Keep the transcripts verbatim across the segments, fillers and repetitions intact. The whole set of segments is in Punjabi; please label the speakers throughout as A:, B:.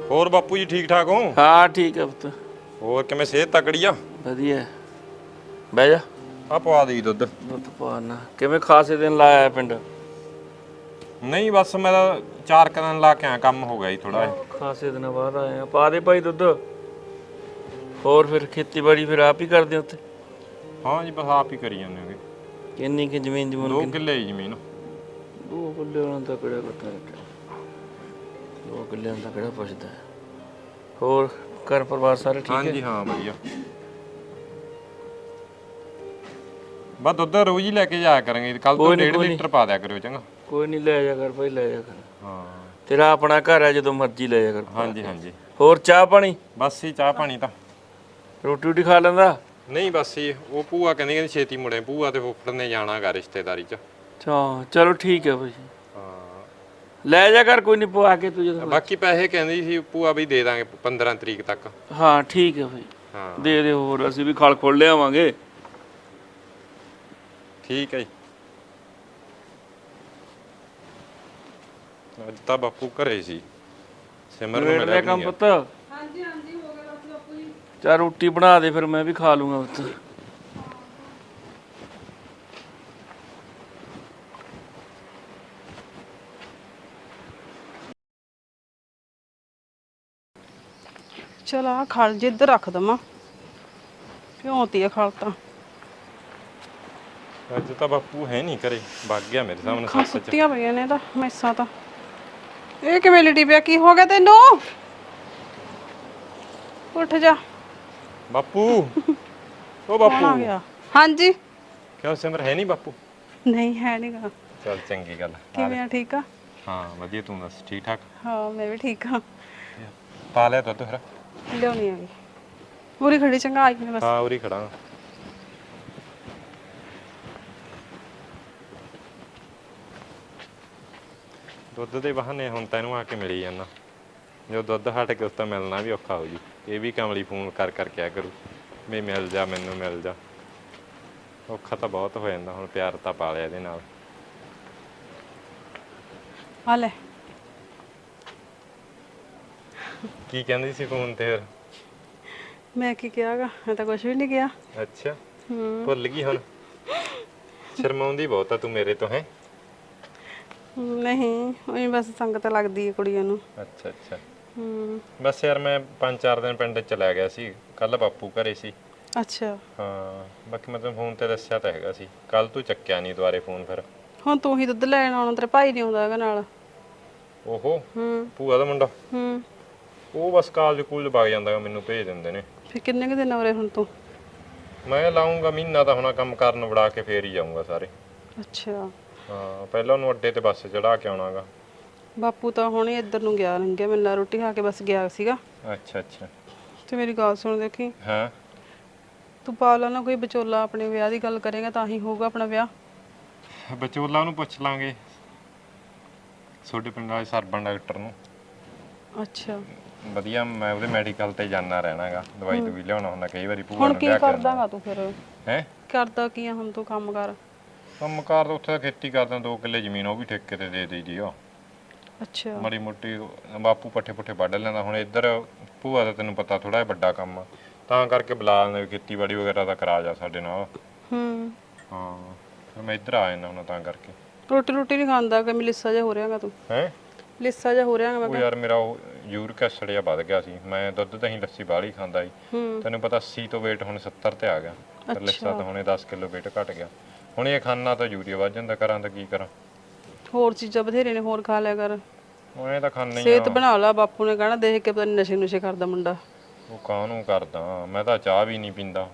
A: ਹੋਰ ਬਾਪੂ ਜੀ ਠੀਕ ਠਾਕ ਹੋ?
B: ਹਾਂ ਠੀਕ ਹੈ ਪੁੱਤ।
A: ਹੋਰ ਕਿਵੇਂ ਸਿਹਤ ਤਕੜੀ ਆ?
B: ਵਧੀਆ। ਬਹਿ ਜਾ।
A: ਆ ਪਵਾ ਦੇ ਦੁੱਧ।
B: ਦੁੱਧ ਪਵਾਨਾ। ਕਿਵੇਂ ਖਾਸੇ ਦਿਨ ਲਾਇਆ ਪਿੰਡ?
A: ਨਹੀਂ ਬਸ ਮੈਂ ਤਾਂ ਚਾਰ ਕੁ ਦਿਨ ਲਾ ਕੇ ਆਇਆ, ਕੰਮ ਹੋ ਗਿਆ ਜੀ ਥੋੜਾ ਜਿਹਾ।
B: ਖਾਸੇ ਦਿਨਾਂ ਬਾਅਦ ਆਏ ਆ। ਪਾ ਦੇ ਭਾਈ ਦੁੱਧ। ਹੋਰ ਫਿਰ ਖੇਤੀਬਾੜੀ ਫਿਰ ਆਪ ਹੀ ਕਰਦੇ ਹੋ ਉੱਥੇ?
A: ਹਾਂ ਜੀ ਬਸ ਆਪ ਹੀ ਕਰੀ ਜਾਂਦੇ ਹੋਗੇ।
B: ਕਿੰਨੀ ਕਿ ਜ਼ਮੀਨ ਜਮੂਨ?
A: ਦੋ ਕਿੱਲੇ ਹੀ ਜ਼ਮੀਨ।
B: ਦੋ ਕਿੱਲੇ ਉਹਨਾਂ ਦਾ ਕਿਹੜਾ ਕੱਟਾ ਰੱਖਿਆ? ਦੋ ਕਿੱਲਿਆਂ ਦਾ ਕਿਹੜਾ ਪੁੱਛਦਾ? ਹੋਰ ਘਰ ਪਰਿਵਾਰ ਸਾਰੇ ਠੀਕ ਹੈ?
A: ਹਾਂਜੀ ਹਾਂ ਵਧੀਆ। ਬਸ ਦੁੱਧ ਰੋਜ਼ ਹੀ ਲੈ ਕੇ ਜਾਇਆ ਕਰਾਂਗੇ। ਕੱਲ ਤੋਂ ਡੇਢ ਲੀਟਰ ਪਾ ਦਿਆ ਕਰਿਓ ਚੰਗਾ।
B: ਕੋਈ ਨਹੀਂ ਲੈ ਜਾ ਕਰ ਭਾਈ, ਲੈ ਜਾ ਕਰ।
A: ਹਾਂ
B: ਤੇਰਾ ਆਪਣਾ ਘਰ ਹੈ, ਜਦੋਂ ਮਰਜ਼ੀ ਲੈ ਜਾ ਕਰ।
A: ਹਾਂਜੀ ਹਾਂਜੀ।
B: ਹੋਰ ਚਾਹ ਪਾਣੀ?
A: ਬਸ ਹੀ ਚਾਹ ਪਾਣੀ ਤਾਂ।
B: ਰੋਟੀ ਰੋਟੀ ਖਾ ਲੈਂਦਾ?
A: ਨਹੀਂ ਬਸ ਹੀ ਉਹ ਭੂਆ ਕਹਿੰਦੀ ਕਹਿੰਦੀ ਛੇਤੀ ਮੁੜੇ, ਭੂਆ ਤੇ ਫੁੱਫੜ ਨੇ ਜਾਣਾ ਗਾ ਰਿਸ਼ਤੇਦਾਰੀ 'ਚ।
B: ਅੱਛਾ ਚਲੋ ਠੀਕ ਹੈ ਭਾਈ।
A: ਹਾਂ
B: ਲੈ ਜਾ ਕਰ, ਕੋਈ ਨਹੀਂ ਪਵਾ ਕੇ ਤੂੰ ਜਦੋਂ।
A: ਬਾਕੀ ਪੈਸੇ ਕਹਿੰਦੀ ਸੀ ਭੂਆ ਵੀ ਦੇ ਦਾਂਗੇ ਪੰਦਰਾਂ ਤਰੀਕ ਤੱਕ।
B: ਹਾਂ ਠੀਕ ਹੈ ਭਾਈ।
A: ਹਾਂ
B: ਦੇ ਦੇ। ਹੋਰ ਅਸੀਂ ਵੀ ਖਲ ਖੋਲ ਲਿਆਵਾਂਗੇ।
A: ਠੀਕ ਹੈ ਜੀ। ਅੱਜ ਤਾਂ ਬਾਪੂ ਘਰੇ ਸੀ। ਸਿਮਰ ਨੂੰ ਮਿਲਿਆ
B: ਕੰਮ ਪੁੱਤ?
C: ਹਾਂਜੀ ਹਾਂਜੀ ਹੋ ਗਿਆ ਬਸ ਬਾਪੂ ਜੀ।
B: ਚਾ ਰੋਟੀ ਬਣਾ ਦੇ ਫਿਰ ਮੈਂ ਵੀ ਖਾ ਲੂੰਗਾ ਪੁੱਤ।
C: ਚਲ ਆ ਖਲ ਜੇ ਇੱਧਰ ਰੱਖ ਦਵਾਂ। ਭਿਉਂਤੀ ਆ ਖਲ ਤਾਂ।
A: ਅੱਜ ਤਾਂ ਬਾਪੂ ਹੈ ਨਹੀਂ ਘਰੇ, ਵਗ ਗਿਆ ਮੇਰੇ ਸਾਹਮਣੇ
C: ਅੱਖਾਂ
A: ਸੱਸ ਚ।
C: ਸੁੱਤੀਆਂ ਪਈਆਂ ਨੇ ਤਾਂ ਮੈਸਾਂ ਤਾਂ। ਇਹ ਕਿਵੇਂ ਲਿਟੀ ਪਿਆ? ਕੀ ਹੋ ਗਿਆ ਤੈਨੂੰ? ਉੱਠ ਜਾ
A: ਬਾਪੂ ਉਹ
C: ਕੌਣ
A: ਬਾਪੂ
C: ਆ ਗਿਆ? ਹਾਂਜੀ।
A: ਕਿਉਂ ਸਿਮਰ ਹੈ ਨਹੀਂ ਬਾਪੂ?
C: ਨਹੀਂ ਹੈ ਨੀਗਾ।
A: ਚੱਲ ਚੰਗੀ ਗੱਲ।
C: ਕਿਵੇਂ ਆ? ਠੀਕ ਆ?
A: ਹਾਂ ਵਧੀਆ, ਤੂੰ ਦੱਸ ਠੀਕ ਠਾਕ?
C: ਹਾਂ ਮੈਂ ਵੀ ਠੀਕ ਆ।
A: ਪਾ ਲਿਆ ਦੁੱਧ ਫਿਰ?
C: ਲਿਆਉਣੀ ਆਗੀ ਪੂਰੀ ਖੜੀ। ਚੰਗਾ ਆਈ ਮੈਂ ਬਸ।
A: ਹਾਂ ਉਰੀ ਖੜਾ। ਦੁੱਧ ਦੇ ਬਹਾਨੇ ਹੁਣ ਤੈਨੂੰ ਆ ਕੇ ਮਿਲੀ ਜਾਂਦਾ। ਜੋ ਦੁੱਧ ਹਟ ਕੇ ਉਸ ਤਾਂ ਮਿਲਣਾ ਵੀ ਔਖਾ ਹੋ ਜੂ। ਇਹ ਵੀ ਕਮਲੀ ਫੋਨ ਕਰ ਕਰ ਕਿਆ ਕਰੂ ਵੀ ਮਿਲ ਜਾ, ਮੈਨੂੰ ਮਿਲ ਜਾ। ਔਖਾ ਤਾਂ ਬਹੁਤ ਹੋ ਜਾਂਦਾ। ਹੁਣ ਪਿਆਰ ਤਾਂ ਪਾ ਲਿਆ ਇਹਦੇ ਨਾਲ।
C: ਆ ਲੈ।
A: ਕੀ ਕਹਿੰਦੀ ਸੀ ਫੋਨ ਤੇ ਫਿਰ?
C: ਮੈਂ ਕੀ ਕਿਹਾਗਾ? ਮੈਂ ਤਾਂ ਕੁਝ ਵੀ ਨਹੀਂ ਕਿਹਾ।
A: ਅੱਛਾ
C: ਹੂੰ
A: ਭੁੱਲ ਗਈ ਹੁਣ? ਸ਼ਰਮਾਉਂਦੀ ਬਹੁਤ ਆ ਤੂੰ ਮੇਰੇ ਤੋਂ। ਹੈ
C: ਨਹੀਂ ਉਹੀ ਬਸ ਸੰਗਤ ਲੱਗਦੀ ਹੈ ਕੁੜੀਆਂ ਨੂੰ।
A: ਅੱਛਾ ਅੱਛਾ।
C: ਹੂੰ
A: ਬਸ ਯਾਰ ਮੈਂ ਪੰਜ ਚਾਰ ਦਿਨ ਪਿੰਡ ਚਲਾ ਗਿਆ ਸੀ। ਕੱਲ ਬਾਪੂ ਘਰੇ ਸੀ।
C: ਅੱਛਾ।
A: ਹਾਂ ਬਾਕੀ ਮੈਂ ਤੈਨੂੰ ਫੋਨ ਤੇ ਦੱਸਿਆ ਤਾਂ ਹੈਗਾ ਸੀ। ਕੱਲ ਤੂੰ ਚੱਕਿਆ ਨਹੀਂ ਦੁਬਾਰੇ ਫੋਨ ਫਿਰ।
C: ਹੁਣ ਤੂੰ ਹੀ ਦੁੱਧ ਲੈਣ ਆਉਣਾ, ਤੇਰਾ ਭਾਈ ਨਹੀਂ ਆਉਂਦਾ ਹੈਗਾ ਨਾਲ।
A: ਓਹੋ
C: ਹੂੰ
A: ਭੂਆ ਦਾ ਮੁੰਡਾ?
C: ਹੂੰ
A: ਉਹ ਬਸ ਕਾਲਜ ਕੂਲਜ ਵਗ ਜਾਂਦਾ ਗਾ, ਮੈਨੂੰ ਭੇਜ ਦਿੰਦੇ ਨੇ।
C: ਫਿਰ ਕਿੰਨੇ ਕੁ ਦਿਨ ਹੋ ਰਹੇ ਹੁਣ ਤੂੰ?
A: ਮੈਂ ਲਾਉਂਗਾ ਮਹੀਨਾ ਤਾਂ ਹੁਣ ਕੰਮ ਕਰਨ ਵੜਾ ਕੇ ਫੇਰ ਹੀ ਜਾਊਂਗਾ ਸਾਰੇ।
C: ਅੱਛਾ।
A: ਹਾਂ ਪਹਿਲਾਂ ਉਹਨੂੰ ਅੱਡੇ ਤੇ ਬੱਸ ਚੜਾ ਕੇ ਆਉਣਾਗਾ।
C: ਬਾਪੂ ਤਾਂ ਹੁਣੇ ਇੱਧਰ ਨੂੰ ਗਿਆ ਲੰਘਿਆ, ਮੈਨੂੰ ਰੋਟੀ ਖਾ ਕੇ ਬਸ ਗਿਆ ਸੀਗਾ।
A: ਅੱਛਾ ਅੱਛਾ।
C: ਤੇ ਮੇਰੀ ਗੱਲ ਸੁਣ, ਦੇਖੀ
A: ਹਾਂ
C: ਤੂੰ ਪਾ ਲਾ ਨਾ ਕੋਈ ਵਿਚੋਲਾ, ਆਪਣੇ ਵਿਆਹ ਦੀ ਗੱਲ ਕਰੇਗਾ ਤਾਂ ਹੀ ਹੋਊਗਾ ਆਪਣਾ ਵਿਆਹ।
A: ਵਿਚੋਲਾ ਨੂੰ ਪੁੱਛ ਲਾਂਗੇ, ਤੁਹਾਡੇ ਪਿੰਡ ਵਾਲੇ ਸਰਬਨ ਡਾਕਟਰ ਨੂੰ।
C: ਅੱਛਾ
A: ਵਧੀਆ, ਮੈਂ ਉਹਦੇ ਮੈਡੀਕਲ ਤੇ ਜਾਣਾ ਰਹਿਣਾਗਾ। ਦਵਾਈ ਦਵਾਈ ਲਿਆਉਣਾ ਹੁੰਦਾ ਕਈ ਵਾਰੀ ਭੂਆ
C: ਹੁਣ
A: ਨੂੰ
C: ਕੀ
A: ਲਿਆ ਕੇ।
C: ਕਰਦਾਗਾ ਤੂੰ ਫਿਰ?
A: ਹੈ
C: ਕਰਦਾ ਕੀ ਆ ਹੁਣ ਤੂੰ ਕੰਮ ਕਰ?
A: ਕੰਮ ਕਾਰ ਤਾਂ ਉੱਥੇ ਖੇਤੀ ਕਰਦਾ, ਦੋ ਕਿੱਲੇ ਜ਼ਮੀਨ ਉਹ ਵੀ ਠੇਕੇ ਤੇ ਦੇ ਦੇਈ ਦੀ ਆ।
C: ਅੱਛਾ।
A: ਮਾੜੀ ਮੋਟੀ ਬਾਪੂ ਪੱਠੇ ਪੁੱਠੇ ਵੱਢ ਲੈਂਦਾ। ਹੁਣ ਇੱਧਰ ਭੂਆ ਦਾ ਤੈਨੂੰ ਪਤਾ ਥੋੜਾ ਜਿਹਾ ਵੱਡਾ ਕੰਮ ਆ, ਤਾਂ ਕਰਕੇ ਬੁਲਾ ਲੈਂਦੇ ਖੇਤੀਬਾੜੀ ਵਗੈਰਾ ਦਾ ਕਰਾ ਜਾ ਸਾਡੇ ਨਾਲ।
C: ਹੂੰ
A: ਹਾਂ ਫਿਰ ਮੈਂ ਇੱਧਰ ਆ ਜਾਂਦਾ ਹੁਣ ਤਾਂ ਕਰਕੇ।
C: ਰੋਟੀ ਰੋਟੀ ਨਹੀਂ ਖਾਂਦਾ ਕਿ? ਲਿੱਸਾ ਜਿਹਾ ਹੋ ਰਿਹਾਗਾ ਤੂੰ।
A: ਹੈ
C: ਲਿੱਸਾ ਜਿਹਾ ਹੋ ਰਿਹਾਗਾ ਮੈਂ
A: ਉਹ
C: ਕਿਹਾ।
A: ਯਾਰ ਮੇਰਾ ਉਹ ਯੂਰਿਕ ਐਸਿਡ ਜਿਹਾ ਵੱਧ ਗਿਆ ਸੀ। ਮੈਂ ਦੁੱਧ ਦਹੀਂ ਲੱਸੀ ਬਾਹਲੀ ਖਾਂਦਾ ਸੀ।
C: ਹੂੰ
A: ਤੈਨੂੰ ਪਤਾ ਅੱਸੀ ਤੋਂ weight ਹੁਣ ਸੱਤਰ ਤੇ ਆ ਗਿਆ। ਫਿਰ ਲਿੱਸਾ ਤਾਂ ਹੁਣੇ ਦਸ ਕਿਲੋ weight ਘਟ ਗਿਆ। ਹੁਣ ਇਹ ਖਾਣਾ ਤਾਂ ਯੂਰੀਆ ਵੱਧ ਜਾਂਦਾ। ਕਰਾਂ ਤਾਂ ਕੀ ਕਰਾਂ?
C: ਹੋਰ ਚੀਜ਼ਾਂ ਬਥੇਰੇ ਨੇ, ਹੋਰ ਖਾ ਲਿਆ ਕਰ।
A: ਉਹ ਇਹ ਤਾਂ ਖਾਣਾ ਹੀ
C: ਸਿਹਤ
A: ਆ।
C: ਬਣਾ ਲਾ। ਬਾਪੂ ਨੇ ਕਹਿਣਾ ਦੇਖ ਕੇ ਪਤਾ ਨੀ ਨਸ਼ੇ ਨੁਸ਼ੇ ਕਰਦਾ ਮੁੰਡਾ।
A: ਉਹ ਕਾਹਨੂੰ ਕਰਦਾ? ਮੈਂ ਤਾਂ ਚਾਹ ਵੀ ਨਹੀਂ ਪੀਂਦਾ।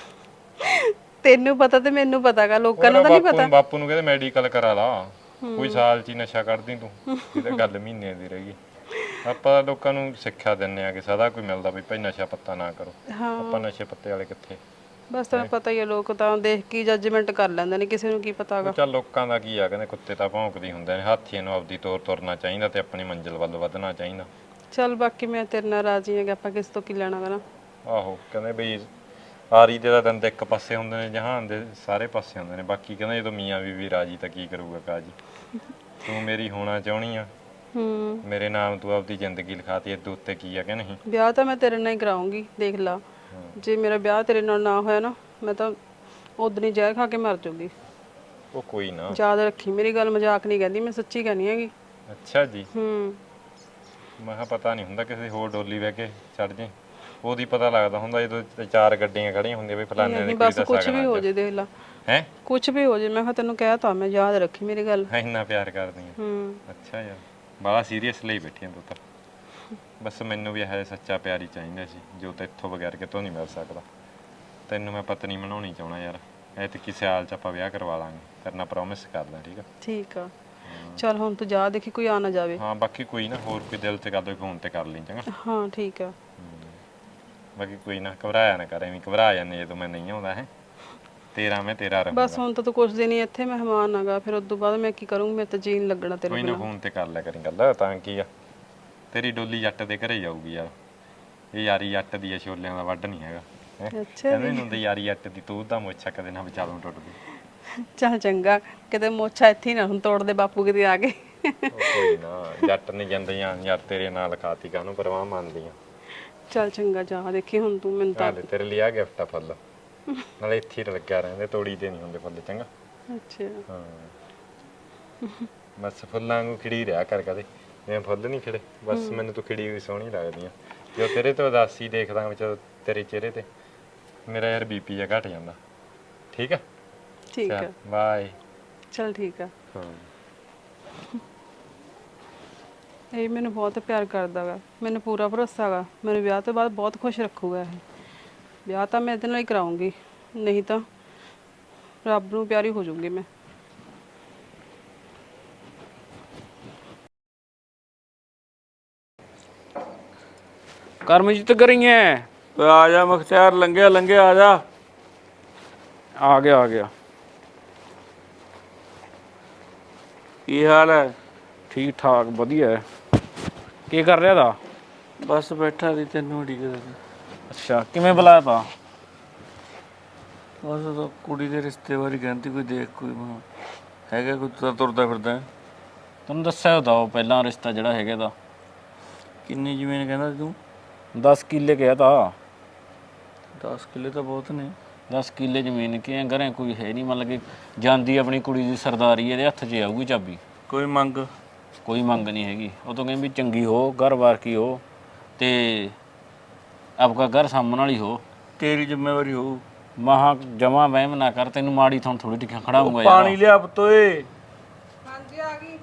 C: ਤੈਨੂੰ ਪਤਾ ਤੇ ਮੈਨੂੰ ਪਤਾਗਾ, ਲੋਕਾਂ ਨੂੰ ਤਾਂ ਨਹੀਂ ਪਤਾ।
A: ਬਾਪੂ ਨੂੰ ਕਹਿੰਦੇ ਮੈਡੀਕਲ ਕਰਾ ਲਾ, ਕੋਈ ਸਾਲ ਚ ਹੀ ਨਸ਼ਾ ਕੱਢਦੀ ਤੂੰ। ਇਹ ਤਾਂ ਗੱਲ ਮਹੀਨੇ ਦੀ ਰਹਿ ਗਈ। ਆਪਾਂ ਲੋਕਾਂ ਨੂੰ ਸਿੱਖਿਆ ਦਿੰਨੇ ਆ ਕਿ ਸਦਾ ਕੋਈ ਮਿਲਦਾ ਵੀ ਭਾਈ ਨਸ਼ਾ ਪੱਤਾ ਨਾ ਕਰੋ। ਆਪਾਂ ਨਸ਼ੇ ਪੱਤੇ ਵਾਲੇ ਕਿੱਥੇ?
C: ਬਸ ਤੈਨੂੰ ਪਤਾ ਹੀ ਆ, ਲੋਕ ਤਾਂ ਦੇਖ ਕੇ ਜੱਜਮੈਂਟ ਕਰ ਲੈਂਦੇ ਨੇ, ਕਿਸੇ ਨੂੰ ਕੀ ਪਤਾਗਾ।
A: ਚੱਲ ਲੋਕਾਂ ਦਾ ਕੀ ਆ, ਕਹਿੰਦੇ ਕੁੱਤੇ ਤਾਂ ਭੌਂਕਦੇ ਹੁੰਦੇ ਨੇ। ਹਾਥੀਆਂ ਨੂੰ ਆਪਦੀ ਤੋਰ ਤੁਰਨਾ ਚਾਹੀਦਾ ਤੇ ਆਪਣੀ ਮੰਜ਼ਿਲ ਵੱਲ ਵਧਣਾ ਚਾਹੀਦਾ।
C: ਚੱਲ ਬਾਕੀ ਮੈਂ ਤੇਰੇ ਨਾਲ ਰਾਜੀ ਹੈਗਾ, ਆਪਾਂ ਕਿਸ ਤੋਂ ਕੀ ਲੈਣਾ ਗਾ ਨਾ।
A: ਆਹੋ ਕਹਿੰਦੇ ਬਈ ਆਰੀ ਦੇ ਤਾਂ ਦੰਦ ਇੱਕ ਪਾਸੇ ਹੁੰਦੇ ਨੇ, ਜਹਾਨ ਦੇ ਸਾਰੇ ਪਾਸੇ ਹੁੰਦੇ ਨੇ। ਬਾਕੀ ਕਹਿੰਦੇ ਜਦੋਂ ਮੀਆਂ ਬੀਵੀ ਰਾਜੀ ਤਾਂ ਕੀ ਕਰੂਗਾ ਕਾਜੀ। ਤੂੰ ਮੇਰੀ ਹੋਣਾ ਚਾਹੁੰਦੀ ਆ
C: ਹੂੰ
A: ਮੇਰੇ ਨਾਮ ਤੂੰ ਆਪਦੀ ਜ਼ਿੰਦਗੀ ਲਿਖਾਤੀ, ਇਹ ਉੱਤੇ ਕੀ ਆ ਕਿ ਨਹੀਂ?
C: ਵਿਆਹ ਤਾਂ ਮੈਂ ਤੇਰੇ ਨਾਲ ਹੀ ਕਰਾਉਂਗੀ, ਦੇਖ ਲਾ। ਜੇ ਮੇਰਾ ਵਿਆਹ ਤੇਰੇ ਨਾਲ ਨਾ ਹੋਇਆ ਨਾ, ਮੈਂ ਤਾਂ ਉਦੋਂ ਹੀ ਜ਼ਹਿਰ ਖਾ ਕੇ ਮਰ ਜਾਊਗੀ।
A: ਉਹ ਕੋਈ ਨਾ।
C: ਯਾਦ ਰੱਖੀ ਮੇਰੀ ਗੱਲ, ਮਜ਼ਾਕ ਨਹੀਂ ਕਹਿੰਦੀ, ਮੈਂ ਸੱਚੀ ਕਹਿੰਦੀ ਹੈਗੀ।
A: ਅੱਛਾ ਜੀ।
C: ਹੂੰ
A: ਮੈਂ ਕਿਹਾ ਪਤਾ ਨਹੀਂ ਹੁੰਦਾ ਕਿਸੇ ਹੋਰ ਡੋਲੀ ਬਹਿ ਕੇ ਚੜ ਜੇ, ਉਹਦੀ ਪਤਾ ਲੱਗਦਾ ਹੁੰਦਾ ਜਦੋਂ ਤੇ ਚਾਰ ਗੱਡੀਆਂ ਖੜੀਆਂ ਹੁੰਦੀਆਂ ਵੀ ਫਲਾਣੇ ਦੀ
C: ਨਹੀਂ
A: ਕੁੜੀ
C: ਬਸ
A: ਦਾ
C: ਕੁਝ
A: ਸਾਗਣਾ
C: ਵੀ ਹੋ ਜੇ, ਦੇਖ ਲਾ
A: ਹੈ।
C: ਕੁਝ ਵੀ ਹੋ ਜੇ, ਮੈਂ ਕਿਹਾ ਤੈਨੂੰ ਕਹਿ ਤਾ ਮੈਂ, ਯਾਦ ਰੱਖੀ ਮੇਰੀ ਗੱਲ।
A: ਇੰਨਾ ਪਿਆਰ ਕਰਦੀ ਆ।
C: ਹੂੰ
A: ਅੱਛਾ ਯਾਰ, ਬੜਾ ਸੀਰੀਅਸ ਲਈ ਬੈਠੀ ਆ ਤੂੰ ਤਾਂ। ਬਸ ਮੈਨੂੰ ਵੀ ਇਹ ਸੱਚਾ ਪਿਆਰ ਹੀ ਚਾਹੀਦਾ ਸੀ, ਜੋ ਤੇਥੋਂ ਬਗੈਰ ਕਿਤੋਂ ਨਹੀਂ ਮਿਲ ਸਕਦਾ। ਤੈਨੂੰ ਮੈਂ ਪਤਨੀ ਬਣਾਉਣੀ ਚਾਹਣਾ ਯਾਰ, ਐਤਕੀ ਸਿਆਲ ਚ ਆਪਾਂ ਵਿਆਹ ਕਰਵਾ ਲਾਂਗੇ, ਤੇਰੇ ਨਾਲ ਪ੍ਰੋਮਿਸ ਕਰਦਾ। ਠੀਕ ਆ?
C: ਠੀਕ ਆ, ਚੱਲ ਹੁਣ ਤੂੰ ਜਾ, ਦੇਖੀ ਕੋਈ ਆ ਨਾ ਜਾਵੇ।
A: ਹਾਂ ਬਾਕੀ ਕੋਈ ਨਾ, ਹੋਰ ਕੋਈ ਦਿਲ ਚ ਗੱਲ ਹੋਈ ਫੋਨ ਤੇ ਕਰ ਲਈ ਚੰਗਾ।
C: ਹਾਂ ਠੀਕ ਆ।
A: ਬਾਕੀ ਕੋਈ ਨਾ, ਘਬਰਾਇਆ ਨਾ ਕਰ, ਐਵੇਂ ਘਬਰਾ ਜਾਂਦੇ ਜਦੋਂ ਮੈਂ ਨਹੀਂ ਆਉਂਦਾ। ਹੈ ਤੇਰਾ ਮੈਂ ਤੇਰਾ ਰਹੂੰਗਾ।
C: ਬਸ ਹੁਣ ਤਾਂ ਤੂੰ ਕੁਛ ਦਿਨ ਹੀ ਇੱਥੇ ਮਹਿਮਾਨ ਆਗਾ, ਫਿਰ ਉਸ ਤੋਂ ਬਾਅਦ ਮੈਂ ਕੀ ਕਰੂੰਗੀ, ਮੈਂ ਤਾਂ ਜੀਣ ਲੱਗਣਾ ਤੇਰੇ
A: ਕੋਈ ਨਾ, ਫੋਨ ਤੇ ਕਰ ਲਿਆ ਕਰੀ ਗੱਲ, ਤਾਂ ਕੀ ਆ। ਤੇਰੀ ਡੋਲੀ ਜੱਟ ਦੇ ਘਰੇ ਜਾਊਗੀ ਯਾਰ, ਇਹ ਯਾਰੀ ਜੱਟ ਦੀ ਆ, ਛੋਲਿਆਂ ਦਾ ਵੱਢ ਨਹੀਂ ਹੈਗਾ। ਹੈਂ?
C: ਅੱਛਾ
A: ਕਹਿੰਦੇ ਨੀ ਹੁੰਦੇ ਯਾਰੀ ਜੱਟ ਦੀ, ਤੂੰ ਦਾ ਮੋਛਾ ਕਦੇ ਨਾ ਵਿਚਾਲੋਂ ਟੁੱਟਦੀ।
C: ਚੱਲ ਚੰਗਾ, ਕਿਤੇ ਮੋਛਾ ਇੱਥੇ ਹੀ ਨਾ ਹੁਣ ਤੋੜ ਦੇ ਬਾਪੂ ਕਿਤੇ ਆ ਕੇ।
A: ਉਹ ਕੋਈ ਨਾ, ਜੱਟ ਨਹੀਂ ਜਾਂਦੀਆਂ ਯਾਰ, ਤੇਰੇ ਨਾਲ ਖਾਤੀ ਕਾਹਨੂੰ ਪਰਵਾਹ ਮੰਨਦੀਆਂ।
C: ਚੱਲ ਚੰਗਾ ਜਾ, ਦੇਖੀ ਹੁਣ ਤੂੰ ਮੈਨੂੰ ਤਾਂ।
A: ਹਾਲੇ ਤੇਰੇ ਲਈ ਆ ਗਿਫਟ ਆ ਫੁੱਲ, ਨਾਲੇ ਇੱਥੇ ਹੀ ਲੱਗਿਆ ਰਹਿੰਦੇ, ਤੋੜੀ ਤੇ ਨਹੀਂ ਹੁੰਦੇ ਫੁੱਲ ਚੰਗਾ।
C: ਅੱਛਾ
A: ਹਾਂ ਬਸ ਫੁੱਲਾਂ ਨੂੰ ਖਿੜੀ ਰਿਹਾ ਕਰ ਕਦੇ, ਜਿਵੇਂ ਫੁੱਲ ਨਹੀਂ ਖਿੜੇ, ਬਸ ਮੈਨੂੰ ਤੂੰ ਖਿੜੀ ਹੋਈ ਸੋਹਣੀ ਲੱਗਦੀ ਆ। ਜੋ ਤੇਰੇ ਤੋਂ ਉਦਾਸੀ ਦੇਖਦਾ ਵਿੱਚ ਤੇਰੇ ਚਿਹਰੇ ਤੇ, ਮੇਰਾ ਯਾਰ ਬੀਪੀ ਜਿਹਾ ਘਟ ਜਾਂਦਾ। ਠੀਕ ਆ?
C: ਠੀਕ ਆ,
A: ਬਾਏ।
C: ਚੱਲ ਠੀਕ ਆ।
A: ਹਾਂ
C: ਇਹ ਮੈਨੂੰ ਬਹੁਤ ਪਿਆਰ ਕਰਦਾ ਵਾ, ਮੈਨੂੰ ਪੂਰਾ ਭਰੋਸਾ ਵਾ, ਮੈਨੂੰ ਵਿਆਹ ਤੋਂ ਬਾਅਦ ਬਹੁਤ ਖੁਸ਼ ਰੱਖੂਗਾ ਇਹ। ਵਿਆਹ ਤਾਂ ਮੈਂ ਇਹਦੇ ਨਾਲ ਹੀ ਕਰਾਉਂਗੀ, ਨਹੀਂ ਤਾਂ ਰੱਬ ਨੂੰ ਪਿਆਰੀ ਹੋ ਜਾਊਂਗੀ ਮੈਂ।
B: ਕਰਮਜੀਤ ਕਰੀਏ, ਆ ਜਾ ਮੁਖਤਿਆਰ, ਲੰਘਿਆ ਲੰਘਿਆ ਆ ਜਾ। ਆ ਗਿਆ ਆ ਗਿਆ। ਕੀ ਹਾਲ ਹੈ? ਠੀਕ ਠਾਕ ਵਧੀਆ ਹੈ। ਕੀ ਕਰ ਰਿਹਾ ਦਾ? ਬਸ ਬੈਠਾ ਸੀ, ਤੈਨੂੰ ਉਡੀਕਦਾ ਸੀ। ਅੱਛਾ, ਕਿਵੇਂ ਬੁਲਾਇਆ ਤਾ? ਬਸ ਉਹ ਕੁੜੀ ਦੇ ਰਿਸ਼ਤੇ ਬਾਰੇ ਕਹਿੰਦੀ, ਕੋਈ ਦੇਖ ਕੋਈ ਮੈਂ ਹੈਗਾ ਕੋਈ ਤਾਂ ਤੁਰਦਾ ਫਿਰਦਾ। ਤੈਨੂੰ ਦੱਸਿਆ ਤਾਂ ਉਹ ਪਹਿਲਾਂ ਰਿਸ਼ਤਾ ਜਿਹੜਾ ਹੈਗਾ ਦਾ। ਕਿੰਨੀ ਜ਼ਮੀਨ ਕਹਿੰਦਾ ਤੂੰ? ਦਸ ਕਿੱਲੇ ਕਿਹਾ ਤਾ। ਦਸ ਕਿੱਲੇ ਤਾਂ ਬਹੁਤ ਨੇ। ਦਸ ਕਿੱਲੇ ਜ਼ਮੀਨ ਕੀ ਘਰੇ ਕੋਈ ਹੈ ਨਹੀਂ, ਮਤਲਬ ਕਿ ਜਾਂਦੀ ਆਪਣੀ ਕੁੜੀ ਦੀ ਸਰਦਾਰੀ ਇਹਦੇ ਹੱਥ 'ਚ ਆਊਗੀ ਚਾਬੀ। ਕੋਈ ਮੰਗ? ਕੋਈ ਮੰਗ ਨਹੀਂ ਹੈਗੀ। ਉਹ ਤੋਂ ਕਹਿੰਦੀ ਵੀ ਚੰਗੀ ਹੋ, ਘਰ-ਬਾਰ ਕੀ ਹੋ, ਤੇ ਆਪਕਾ ਘਰ ਸਾਹਮਣ ਵਾਲੀ ਹੋ, ਤੇਰੀ ਜ਼ਿੰਮੇਵਾਰੀ ਹੋ। ਮਹਾ ਜਮਾ ਵਹਿਮ ਨਾ ਕਰ, ਤੈਨੂੰ ਮਾੜੀ ਥਾਂ ਥੋੜੀ ਟਿਕਾ ਖੜਾਉਂਗਾ ਯਾਰ। ਪਾਣੀ ਲਿਆ ਪਤੋਏ। ਹਾਂਜੀ ਆ ਗਈ।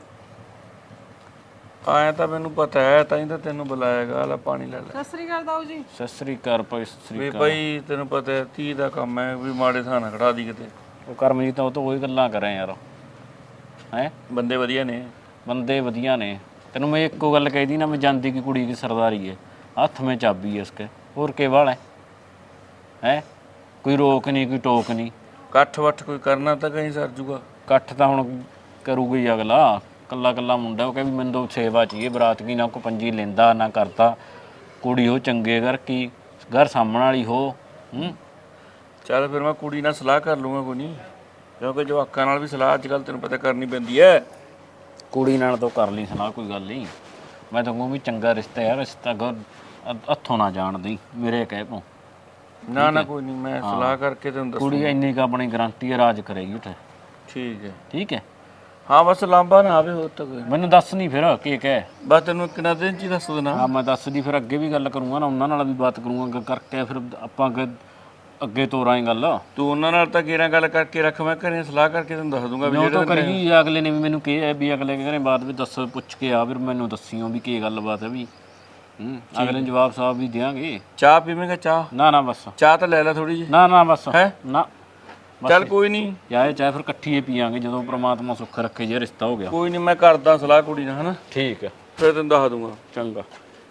B: ਆਇਆ ਤਾਂ ਮੈਨੂੰ ਪਤਾ ਹੈ, ਤਾਂ ਹੀ ਤਾਂ ਤੈਨੂੰ ਬੁਲਾਇਆਗਾ। ਲੈ ਪਾਣੀ ਲੈ ਲੈ।
C: ਸਤਿ ਸ੍ਰੀ ਅਕਾਲ ਦਾਊ ਜੀ।
B: ਸਤਿ ਸ੍ਰੀ ਅਕਾਲ ਭਾਈ, ਸਤਿ ਸ੍ਰੀ ਅਕਾਲ। ਵੀ ਭਾਈ ਤੈਨੂੰ ਪਤਾ ਹੈ ਧੀ ਦਾ ਕੰਮ ਹੈ, ਵੀ ਮਾੜੇ ਥਾਂ ਨਾ ਖੜਾ ਦੀ ਕਿਤੇ। ਉਹ ਕਰਮਜੀਤ ਉਹ ਤਾਂ ਉਹੀ ਗੱਲਾਂ ਕਰਾਂ ਯਾਰ। ਹੈਂ ਬੰਦੇ ਵਧੀਆ ਨੇ, ਬੰਦੇ ਵਧੀਆ ਨੇ। ਤੈਨੂੰ ਮੈਂ ਇੱਕੋ ਗੱਲ ਕਹਿਦੀ ਨਾ, ਮੈਂ ਜਾਂਦੀ ਕਿ ਕੁੜੀ ਦੀ ਸਰਦਾਰੀ ਹੈ, ਹੱਥ ਮੈਂ ਚਾਬੀ ਹੈ ਇਸਕੇ, ਹੋਰ ਕੇ ਵਾਲ ਹੈ। ਹੈਂ ਕੋਈ ਰੋਕ ਨਹੀਂ, ਕੋਈ ਟੋਕ ਨਹੀਂ। ਇਕੱਠ ਵੱਠ ਕੋਈ ਕਰਨਾ ਤਾਂ ਕहीं ਸਰ ਜੂਗਾ। ਇਕੱਠ ਤਾਂ ਹੁਣ ਕਰੂਗਾ ਹੀ ਅਗਲਾ, ਕੱਲਾ ਕੱਲਾ ਮੁੰਡਾ। ਉਹ ਕਹੇ ਵੀ ਮੈਨੂੰ ਤਾਂ ਸੇਵਾ ਚਾਹੀਏ, ਬਰਾਤ ਕੀ ਨਾ ਕੋਈ ਪੰਜੀ ਲੈਂਦਾ ਨਾ ਕਰਦਾ, ਕੁੜੀ ਉਹ ਚੰਗੇ ਘਰ ਕੀ, ਘਰ ਸਾਹਮਣ ਵਾਲੀ ਹੋ। ਹੂੰ ਚੱਲ ਫਿਰ ਮੈਂ ਕੁੜੀ ਨਾਲ ਸਲਾਹ ਕਰ ਲੂੰਗਾ, ਕੋਈ ਨਹੀਂ, ਕਿਉਂਕਿ ਜਵਾਕਾਂ ਨਾਲ ਵੀ ਸਲਾਹ ਅੱਜ ਕੱਲ੍ਹ ਤੈਨੂੰ ਪਤਾ ਕਰਨੀ ਪੈਂਦੀ ਹੈ। ਕੁੜੀ ਨਾਲ ਤਾਂ ਕਰ ਲਈ ਸਲਾਹ, ਕੋਈ ਗੱਲ ਨਹੀਂ। ਮੈਂ ਤਾਂ ਕਹੂੰ ਵੀ ਚੰਗਾ ਰਿਸ਼ਤਾ ਯਾਰ, ਰਿਸ਼ਤਾ ਘਰ ਹੱਥੋਂ ਨਾ ਜਾਣ ਦੀ ਮੇਰੇ ਕਹਿ ਤੋਂ। ਨਾ ਨਾ ਕੋਈ ਨਹੀਂ, ਮੈਂ ਸਲਾਹ ਕਰਕੇ ਤੈਨੂੰ ਦੱਸੂ। ਕੁੜੀ ਇੰਨੀ ਕੁ ਆਪਣੀ ਗਰੰਟੀ ਹੈ, ਰਾਜ ਕਰੇਗੀ ਉੱਥੇ। ਠੀਕ ਹੈ ਠੀਕ ਹੈ। ਹਾਂ ਬਸ ਲਾਂਬਾ ਨਾ ਆਵੇ, ਹੋਰ ਤਾਂ ਕੋਈ। ਮੈਨੂੰ ਦੱਸ ਨਹੀਂ ਫਿਰ ਕੀ ਕਹਿ। ਬਸ ਤੈਨੂੰ ਕਿੰਨਾ ਦਿਨ 'ਚ ਹੀ ਦੱਸ ਦੇਣਾ। ਹਾਂ ਮੈਂ ਦੱਸਦੀ, ਫਿਰ ਅੱਗੇ ਵੀ ਗੱਲ ਕਰੂੰਗਾ ਨਾ, ਉਹਨਾਂ ਨਾਲ ਵੀ ਬਾਤ ਕਰੂੰਗਾ ਕਰਕੇ, ਫਿਰ ਆਪਾਂ ਅੱਗੇ ਅੱਗੇ ਤੋਰਾਂਗੇ ਗੱਲ। ਤੂੰ ਉਹਨਾਂ ਨਾਲ ਤਾਂ ਕਿਹੜਾ ਗੱਲ ਕਰਕੇ ਰੱਖ, ਮੈਂ ਘਰੇ ਸਲਾਹ ਕਰਕੇ ਤੈਨੂੰ ਦੱਸ ਦੂੰਗਾ। ਵੀ ਉਹ ਕਰੀ ਅਗਲੇ ਨੇ ਵੀ ਮੈਨੂੰ ਕਿਹਾ ਵੀ ਅਗਲੇ ਘਰੇ ਬਾਅਦ ਵੀ ਦੱਸ, ਪੁੱਛ ਕੇ ਆ, ਫਿਰ ਮੈਨੂੰ ਦੱਸੀਓ ਵੀ ਕੀ ਗੱਲਬਾਤ ਹੈ ਵੀ। ਹੂੰ ਅਗਲੇ ਨੂੰ ਜਵਾਬ ਸਾਹਿਬ ਵੀ ਦਿਆਂਗੇ। ਚਾਹ ਪੀਵੇਂਗਾ? ਚਾਹ ਨਾ ਨਾ ਬਸ ਚਾਹ ਤਾਂ ਲੈ ਲੈ ਥੋੜੀ ਜਿਹੀ। ਨਾ ਨਾ ਬਸ ਹੈ ਨਾ, ਚੱਲ ਕੋਈ ਨਹੀਂ, ਚਾਹੇ ਚਾਹੇ ਫਿਰ ਇਕੱਠੀ ਪੀਵਾਂਗੇ ਜਦੋਂ ਪ੍ਰਮਾਤਮਾ ਸੁੱਖ ਰੱਖੇ, ਜੇ ਰਿਸ਼ਤਾ ਹੋ ਗਿਆ। ਕੋਈ ਨਹੀਂ, ਮੈਂ ਕਰਦਾ ਸਲਾਹ ਕੁੜੀ ਨਾਲ, ਹਨਾ। ਠੀਕ ਹੈ, ਫਿਰ ਤੈਨੂੰ ਦੱਸ ਦੂੰਗਾ। ਚੰਗਾ।